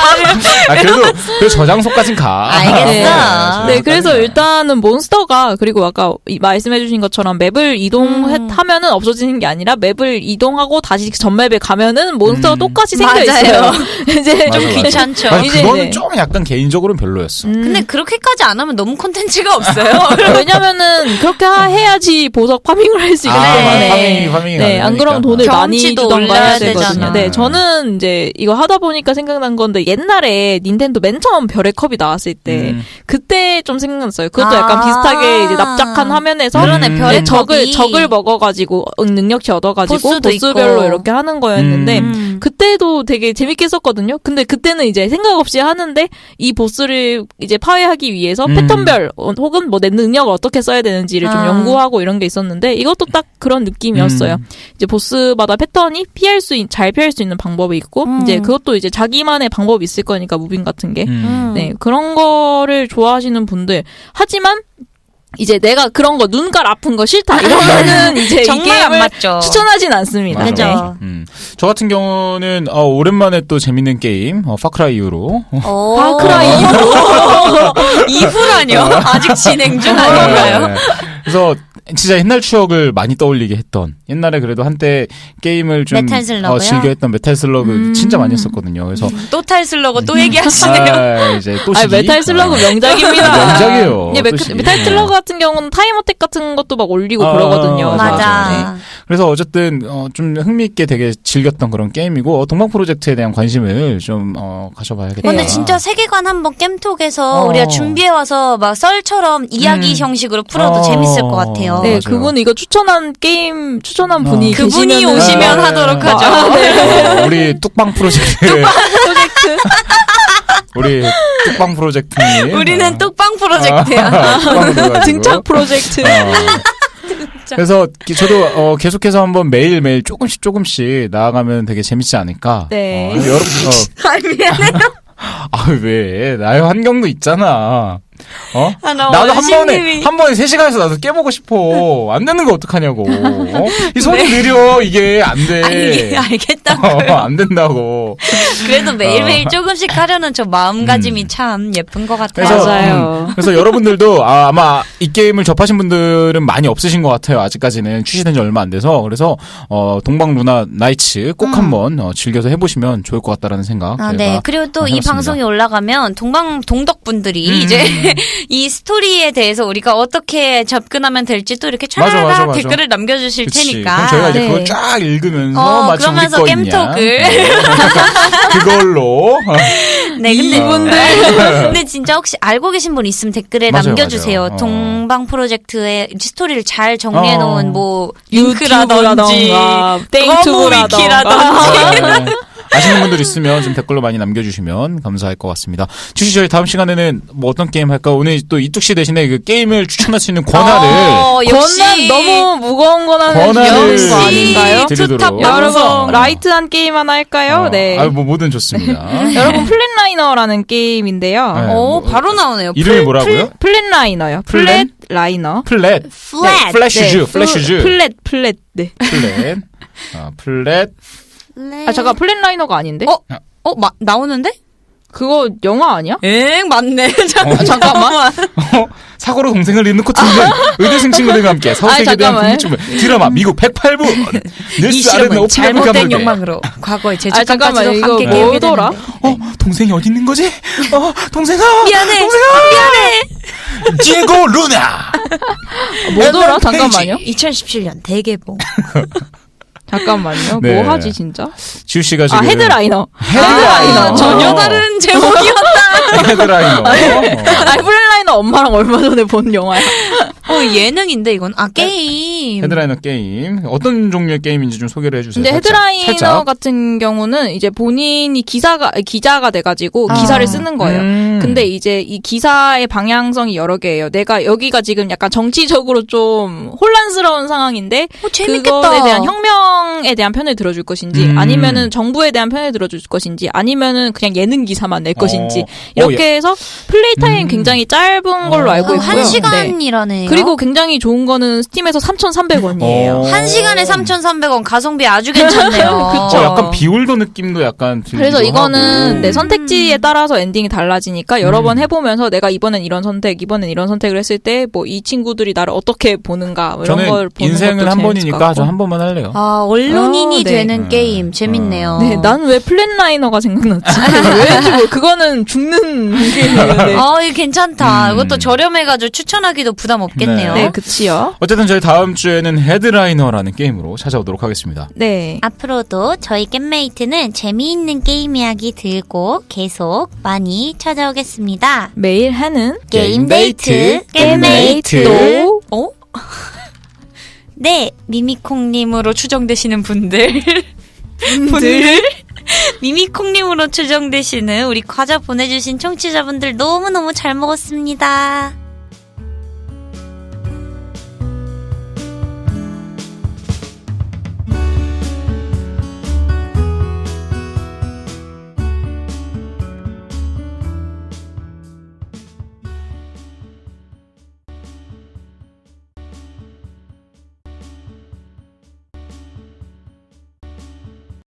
[SPEAKER 1] 아, 그래도, 그래도 저장소까진 가.
[SPEAKER 3] 알겠어.
[SPEAKER 2] 네, 그래서 일단은 몬스터가 그리고 아까 이- 말씀해주신 것처럼 맵을 이동하면은 없어지는 게 아니라 맵을 이동하고 다시 전 맵에 가면은 몬스터가
[SPEAKER 1] 음.
[SPEAKER 2] 똑같이 생겨
[SPEAKER 3] 맞아요.
[SPEAKER 2] 있어요. 이제
[SPEAKER 1] 맞아,
[SPEAKER 3] 좀
[SPEAKER 1] 맞아.
[SPEAKER 3] 귀찮죠.
[SPEAKER 1] 아니,
[SPEAKER 2] 이제,
[SPEAKER 1] 그거는
[SPEAKER 2] 네.
[SPEAKER 1] 좀 약간 개인적으로는 별로였어.
[SPEAKER 2] 음,
[SPEAKER 3] 근데 그렇게까지 안 하면 너무 콘텐츠가 없어요.
[SPEAKER 2] 왜냐면은 그렇게 하- 해야지 보석 파밍을 할 수 있기
[SPEAKER 1] 아,
[SPEAKER 2] 때문에.
[SPEAKER 1] 파밍이, 파밍이
[SPEAKER 2] 네, 안 그러면 돈을 많이
[SPEAKER 3] 경험치도
[SPEAKER 2] 주던가
[SPEAKER 3] 올려야
[SPEAKER 2] 해야 되거든요.
[SPEAKER 3] 되잖아.
[SPEAKER 2] 네, 저는 이제 이거 하다 보니까 생각난 건데 옛날에 닌텐도 맨 처음 별의 컵이 나왔을 때
[SPEAKER 1] 음.
[SPEAKER 2] 그때 좀 생각났어요. 그것도
[SPEAKER 3] 아.
[SPEAKER 2] 약간 비슷하게 이제 납작한 화면에서
[SPEAKER 3] 그러네,
[SPEAKER 1] 음.
[SPEAKER 3] 별의
[SPEAKER 2] 네, 적을
[SPEAKER 3] 컵이.
[SPEAKER 2] 적을 먹어가지고 능력치 얻어가지고
[SPEAKER 3] 보스도
[SPEAKER 2] 보스별로
[SPEAKER 3] 있고.
[SPEAKER 2] 이렇게 하는 거였는데
[SPEAKER 3] 음.
[SPEAKER 2] 그때도 되게 재밌게 했었거든요. 근데 그때는 이제 생각 없이 하는데 이 보스를 이제 파괴하기 위해서
[SPEAKER 1] 음.
[SPEAKER 2] 패턴별 어, 혹은 뭐 내 능력을 어떻게 써야 되는지를 좀
[SPEAKER 3] 아.
[SPEAKER 2] 연구하고 이런 게 있었는데 이것도 딱 그런 느낌이었어요.
[SPEAKER 1] 음.
[SPEAKER 2] 이제 보스마다 패턴이 피할 수 있, 잘 피할 수 있는 방법이 있고
[SPEAKER 3] 음.
[SPEAKER 2] 이제 그것도 이제 자기만의 방법이 있을 거니까 무빙 같은 게.
[SPEAKER 1] 음.
[SPEAKER 2] 네, 그런 거를 좋아하시는 분들. 하지만 이제 내가 그런 거 눈깔 아픈 거 싫다 이러면은 이제 이
[SPEAKER 3] 정말 안
[SPEAKER 2] 게임을
[SPEAKER 3] 맞죠.
[SPEAKER 2] 추천하진 않습니다.
[SPEAKER 1] 맞아,
[SPEAKER 3] 그죠.
[SPEAKER 2] 네.
[SPEAKER 1] 맞아. 음. 저 같은 경우는 어, 오랜만에 또 재밌는 게임 어, 파크라이 이후로
[SPEAKER 3] 오.
[SPEAKER 2] 파크라이
[SPEAKER 3] 이후라뇨? 아직 진행 중 아닌가요?
[SPEAKER 1] 네. 그래서 진짜 옛날 추억을 많이 떠올리게 했던 옛날에 그래도 한때 게임을 좀
[SPEAKER 3] 메탈 슬러그요?
[SPEAKER 1] 어, 즐겨 했던 메탈 슬러그
[SPEAKER 2] 음.
[SPEAKER 1] 진짜 많이 했었거든요. 그래서
[SPEAKER 3] 또 탈 슬러그 또 얘기하시네요.
[SPEAKER 1] 아, 이제 또
[SPEAKER 2] 아,
[SPEAKER 1] 시기.
[SPEAKER 2] 메탈 슬러그
[SPEAKER 1] 아.
[SPEAKER 2] 명작입니다.
[SPEAKER 1] 명작이에요.
[SPEAKER 2] 예, 메,
[SPEAKER 1] 또 시기.
[SPEAKER 2] 메탈 슬러그 같은 경우는 타임어택 같은 것도 막 올리고
[SPEAKER 1] 아,
[SPEAKER 2] 그러거든요.
[SPEAKER 1] 맞아,
[SPEAKER 3] 맞아.
[SPEAKER 2] 네.
[SPEAKER 1] 그래서 어쨌든 어, 좀 흥미있게 되게 즐겼던 그런 게임이고 어, 동방 프로젝트에 대한 관심을 좀 어, 가져봐야겠다.
[SPEAKER 3] 근데
[SPEAKER 2] 네.
[SPEAKER 3] 진짜 세계관 한번 겜톡에서
[SPEAKER 1] 어.
[SPEAKER 3] 우리가 준비해와서 막 썰처럼 이야기
[SPEAKER 1] 음.
[SPEAKER 3] 형식으로 풀어도
[SPEAKER 1] 어.
[SPEAKER 3] 재밌을 것 같아요.
[SPEAKER 2] 네,
[SPEAKER 1] 맞아요.
[SPEAKER 2] 그분 이거 추천한 게임 추천한 분이
[SPEAKER 1] 어.
[SPEAKER 3] 그분이
[SPEAKER 2] 계시면은-
[SPEAKER 3] 오시면
[SPEAKER 1] 네.
[SPEAKER 3] 하도록 하죠.
[SPEAKER 2] 아, 네.
[SPEAKER 1] 어, 우리 뚝방 프로젝트
[SPEAKER 2] 프로젝트.
[SPEAKER 1] 우리 뚝방 프로젝트님
[SPEAKER 3] 우리는
[SPEAKER 1] 어.
[SPEAKER 3] 뚝방 프로젝트야.
[SPEAKER 1] 아, 뚝방으로 가지고.
[SPEAKER 2] 등짝 프로젝트.
[SPEAKER 1] 어. 그래서 기- 저도 어, 계속해서 한번 매일 매일 조금씩 조금씩 나아가면 되게 재밌지 않을까.
[SPEAKER 2] 네.
[SPEAKER 1] 어, 여러분, 어,
[SPEAKER 3] 아, 미안해요.
[SPEAKER 1] 아 왜? 나의 환경도 있잖아. 어?
[SPEAKER 3] 아, 나
[SPEAKER 1] 나도 한 번에
[SPEAKER 3] 원심님이-
[SPEAKER 1] 한 번에 세 시간에서 나도 깨보고 싶어. 안 되는 거 어떡하냐고. 어? 이 손이 느려 이게 안 돼.
[SPEAKER 3] 아니, 알겠다고요.
[SPEAKER 1] 어, 안 된다고.
[SPEAKER 3] 그래도 매일매일
[SPEAKER 1] 어.
[SPEAKER 3] 조금씩 하려는 저 마음가짐이
[SPEAKER 1] 음.
[SPEAKER 3] 참 예쁜 것 같아요.
[SPEAKER 1] 그래서,
[SPEAKER 2] 맞아요.
[SPEAKER 1] 음, 그래서 여러분들도 아, 아마 이 게임을 접하신 분들은 많이 없으신 것 같아요. 아직까지는 출시된 지 얼마 안 돼서. 그래서 어, 동방 루나 나이츠 꼭
[SPEAKER 3] 음.
[SPEAKER 1] 한번 어, 즐겨서 해보시면 좋을 것 같다라는 생각.
[SPEAKER 3] 아,
[SPEAKER 1] 제가
[SPEAKER 3] 네. 그리고 또 이
[SPEAKER 1] 해봤습니다.
[SPEAKER 3] 방송이 올라가면 동방 동덕분들이
[SPEAKER 1] 음.
[SPEAKER 3] 이제 이 스토리에 대해서 우리가 어떻게 접근하면 될지 또 이렇게
[SPEAKER 1] 맞아, 맞아,
[SPEAKER 3] 촤라라
[SPEAKER 1] 맞아.
[SPEAKER 3] 댓글을 남겨주실
[SPEAKER 1] 그치.
[SPEAKER 3] 테니까.
[SPEAKER 1] 그럼 저희가 이제
[SPEAKER 2] 네.
[SPEAKER 1] 그걸 쫙 읽으면서
[SPEAKER 3] 어,
[SPEAKER 1] 마치
[SPEAKER 3] 그러면서
[SPEAKER 1] 우리 거 있냐.
[SPEAKER 3] 겜톡을.
[SPEAKER 1] 어. 그걸로
[SPEAKER 3] 네, 근데
[SPEAKER 2] 이분들.
[SPEAKER 3] 근데 진짜 혹시 알고 계신 분 있으면 댓글에
[SPEAKER 1] 맞아요,
[SPEAKER 3] 남겨주세요.
[SPEAKER 1] 맞아요. 어.
[SPEAKER 3] 동방 프로젝트의 스토리를 잘 정리해 놓은
[SPEAKER 1] 어.
[SPEAKER 3] 뭐 링크라든지
[SPEAKER 2] 유튜브라던가 땡튜브라던가.
[SPEAKER 3] 위키라든지.
[SPEAKER 1] 네. 아시는 분들 있으면 좀 댓글로 많이 남겨주시면 감사할 것 같습니다. 주시 저희 다음 시간에는 뭐 어떤 게임 할까? 오늘 또 이뚝 씨 대신에 그 게임을 추천할 수 있는 권한을
[SPEAKER 3] 어, 역시
[SPEAKER 2] 권한 너무 무거운 권한을
[SPEAKER 1] 권한을
[SPEAKER 2] 주는 거 아닌가요?
[SPEAKER 1] 드리도록.
[SPEAKER 3] 투탑
[SPEAKER 2] 여러분
[SPEAKER 1] 어.
[SPEAKER 2] 라이트한 게임 하나 할까요?
[SPEAKER 1] 어,
[SPEAKER 2] 네.
[SPEAKER 1] 아유 뭐 뭐든 좋습니다.
[SPEAKER 2] 여러분 플랫라이너라는 게임인데요.
[SPEAKER 1] 네.
[SPEAKER 3] 어,
[SPEAKER 1] 뭐,
[SPEAKER 3] 바로 나오네요.
[SPEAKER 1] 이름이 뭐라고요?
[SPEAKER 2] 플랫라이너요.
[SPEAKER 1] 플랫?
[SPEAKER 2] 플랫라이너.
[SPEAKER 1] 플랫.
[SPEAKER 3] 플랫.
[SPEAKER 1] 플래슈즈.
[SPEAKER 2] 네,
[SPEAKER 1] 플래슈즈.
[SPEAKER 2] 플랫 플랫. 네.
[SPEAKER 1] 플랫. 아, 플랫.
[SPEAKER 2] 아 잠깐 플랫라이너가 아닌데?
[SPEAKER 3] 어? 어, 마, 나오는데?
[SPEAKER 2] 그거 영화 아니야?
[SPEAKER 3] 엥, 맞네.
[SPEAKER 1] 어,
[SPEAKER 2] 잠깐만.
[SPEAKER 1] 어, 사고로 동생을 잃는 코트는 의대생 친구들과 함께 서울세계에
[SPEAKER 2] 아니,
[SPEAKER 1] 대한
[SPEAKER 2] 잠깐만.
[SPEAKER 1] 궁금증을 드라마 미국 백팔 부
[SPEAKER 3] 이
[SPEAKER 1] 뉴스 아르나
[SPEAKER 3] 실험은
[SPEAKER 1] 오피니언
[SPEAKER 3] 잘못된
[SPEAKER 1] 감독의
[SPEAKER 3] 욕망으로 과거의
[SPEAKER 2] 아
[SPEAKER 3] 제주까지도
[SPEAKER 2] 잠깐만 이거
[SPEAKER 3] 함께 깨우게
[SPEAKER 2] 뭐더라?
[SPEAKER 3] 되는데.
[SPEAKER 1] 어 동생이 어디 있는 거지? 어 동생아
[SPEAKER 3] 미안해.
[SPEAKER 1] 동생아
[SPEAKER 3] 미안해.
[SPEAKER 1] 디에고 루나
[SPEAKER 2] 뭐더라?
[SPEAKER 1] 페이지.
[SPEAKER 2] 잠깐만요.
[SPEAKER 3] 이천십칠 년 대개봉.
[SPEAKER 2] 잠깐만요.
[SPEAKER 1] 네.
[SPEAKER 2] 뭐 하지 진짜?
[SPEAKER 1] 지우 씨가
[SPEAKER 2] 아
[SPEAKER 1] 지금
[SPEAKER 2] 헤드라이너.
[SPEAKER 1] 헤드라이너
[SPEAKER 3] 아, 전혀 다른 제목이었다.
[SPEAKER 1] 헤드라이너 어.
[SPEAKER 2] 아 플랫라이너 엄마랑 얼마 전에 본 영화야.
[SPEAKER 3] 어, 예능인데 이건 아 게임.
[SPEAKER 1] 헤드라이너 게임 어떤 종류의 게임인지 좀 소개를 해주세요.
[SPEAKER 2] 근데
[SPEAKER 1] 살짝.
[SPEAKER 2] 헤드라이너
[SPEAKER 1] 살짝.
[SPEAKER 2] 같은 경우는 이제 본인이 기사가 기자가 돼가지고
[SPEAKER 3] 아.
[SPEAKER 2] 기사를 쓰는 거예요.
[SPEAKER 1] 음.
[SPEAKER 2] 근데 이제 이 기사의 방향성이 여러 개예요. 내가 여기가 지금 약간 정치적으로 좀 혼란스러운 상황인데
[SPEAKER 3] 어, 재밌겠다.
[SPEAKER 2] 그것에 대한 혁명에 대한 편을 들어줄 것인지
[SPEAKER 1] 음.
[SPEAKER 2] 아니면은 정부에 대한 편을 들어줄 것인지 아니면은 그냥 예능 기사만 낼 것인지
[SPEAKER 1] 어.
[SPEAKER 2] 이렇게
[SPEAKER 1] 어,
[SPEAKER 2] 해서 플레이 타임
[SPEAKER 1] 음.
[SPEAKER 2] 굉장히 짧은 걸로
[SPEAKER 1] 어.
[SPEAKER 2] 알고
[SPEAKER 3] 어,
[SPEAKER 2] 있고요.
[SPEAKER 3] 한
[SPEAKER 2] 네.
[SPEAKER 3] 시간이라네요.
[SPEAKER 2] 그리고 굉장히 좋은 거는 스팀에서 삼천삼백 원이에요.
[SPEAKER 1] 어.
[SPEAKER 3] 한 시간에 삼천삼백 원 가성비 아주 괜찮네요.
[SPEAKER 2] 그쵸.
[SPEAKER 1] 어, 약간 비올더 느낌도 약간 들기도
[SPEAKER 2] 그래서 이거는
[SPEAKER 1] 하고.
[SPEAKER 2] 내 선택지에 따라서 엔딩이 달라지니까 여러
[SPEAKER 1] 음.
[SPEAKER 2] 번 해보면서 내가 이번엔 이런 선택, 이번엔 이런 선택을 했을 때 뭐 이 친구들이 나를 어떻게 보는가 뭐 이런
[SPEAKER 1] 저는
[SPEAKER 2] 걸 보는
[SPEAKER 1] 인생은
[SPEAKER 2] 것도
[SPEAKER 1] 한
[SPEAKER 2] 재밌을
[SPEAKER 1] 번이니까
[SPEAKER 2] 것
[SPEAKER 1] 저
[SPEAKER 2] 같고.
[SPEAKER 1] 한 번만 할래요.
[SPEAKER 3] 아, 언론인이
[SPEAKER 2] 어, 네.
[SPEAKER 3] 되는
[SPEAKER 1] 음.
[SPEAKER 3] 게임 재밌네요.
[SPEAKER 2] 네, 난 왜 플랫라이너가 생각났지? 왠지 뭐 그거는 죽는 게임이었는데.
[SPEAKER 3] 아, 이거 괜찮다.
[SPEAKER 1] 음.
[SPEAKER 3] 이것도 저렴해가지고 추천하기도 부담 없겠네요.
[SPEAKER 2] 네, 그치요.
[SPEAKER 1] 어쨌든 저희 다음 주에는 헤드라이너라는 게임으로 찾아오도록 하겠습니다.
[SPEAKER 2] 네.
[SPEAKER 3] 앞으로도 저희 겜메이트는 재미있는 게임 이야기 들고 계속 많이 찾아오겠습니다.
[SPEAKER 2] 매일 하는
[SPEAKER 3] 게임데이트,
[SPEAKER 1] 게임데이트.
[SPEAKER 2] 또
[SPEAKER 3] 어? 네, 미미콩님으로 추정되시는 분들. 분들. 미미콩님으로 추정되시는 우리 과자 보내주신 청취자분들 너무너무 잘 먹었습니다.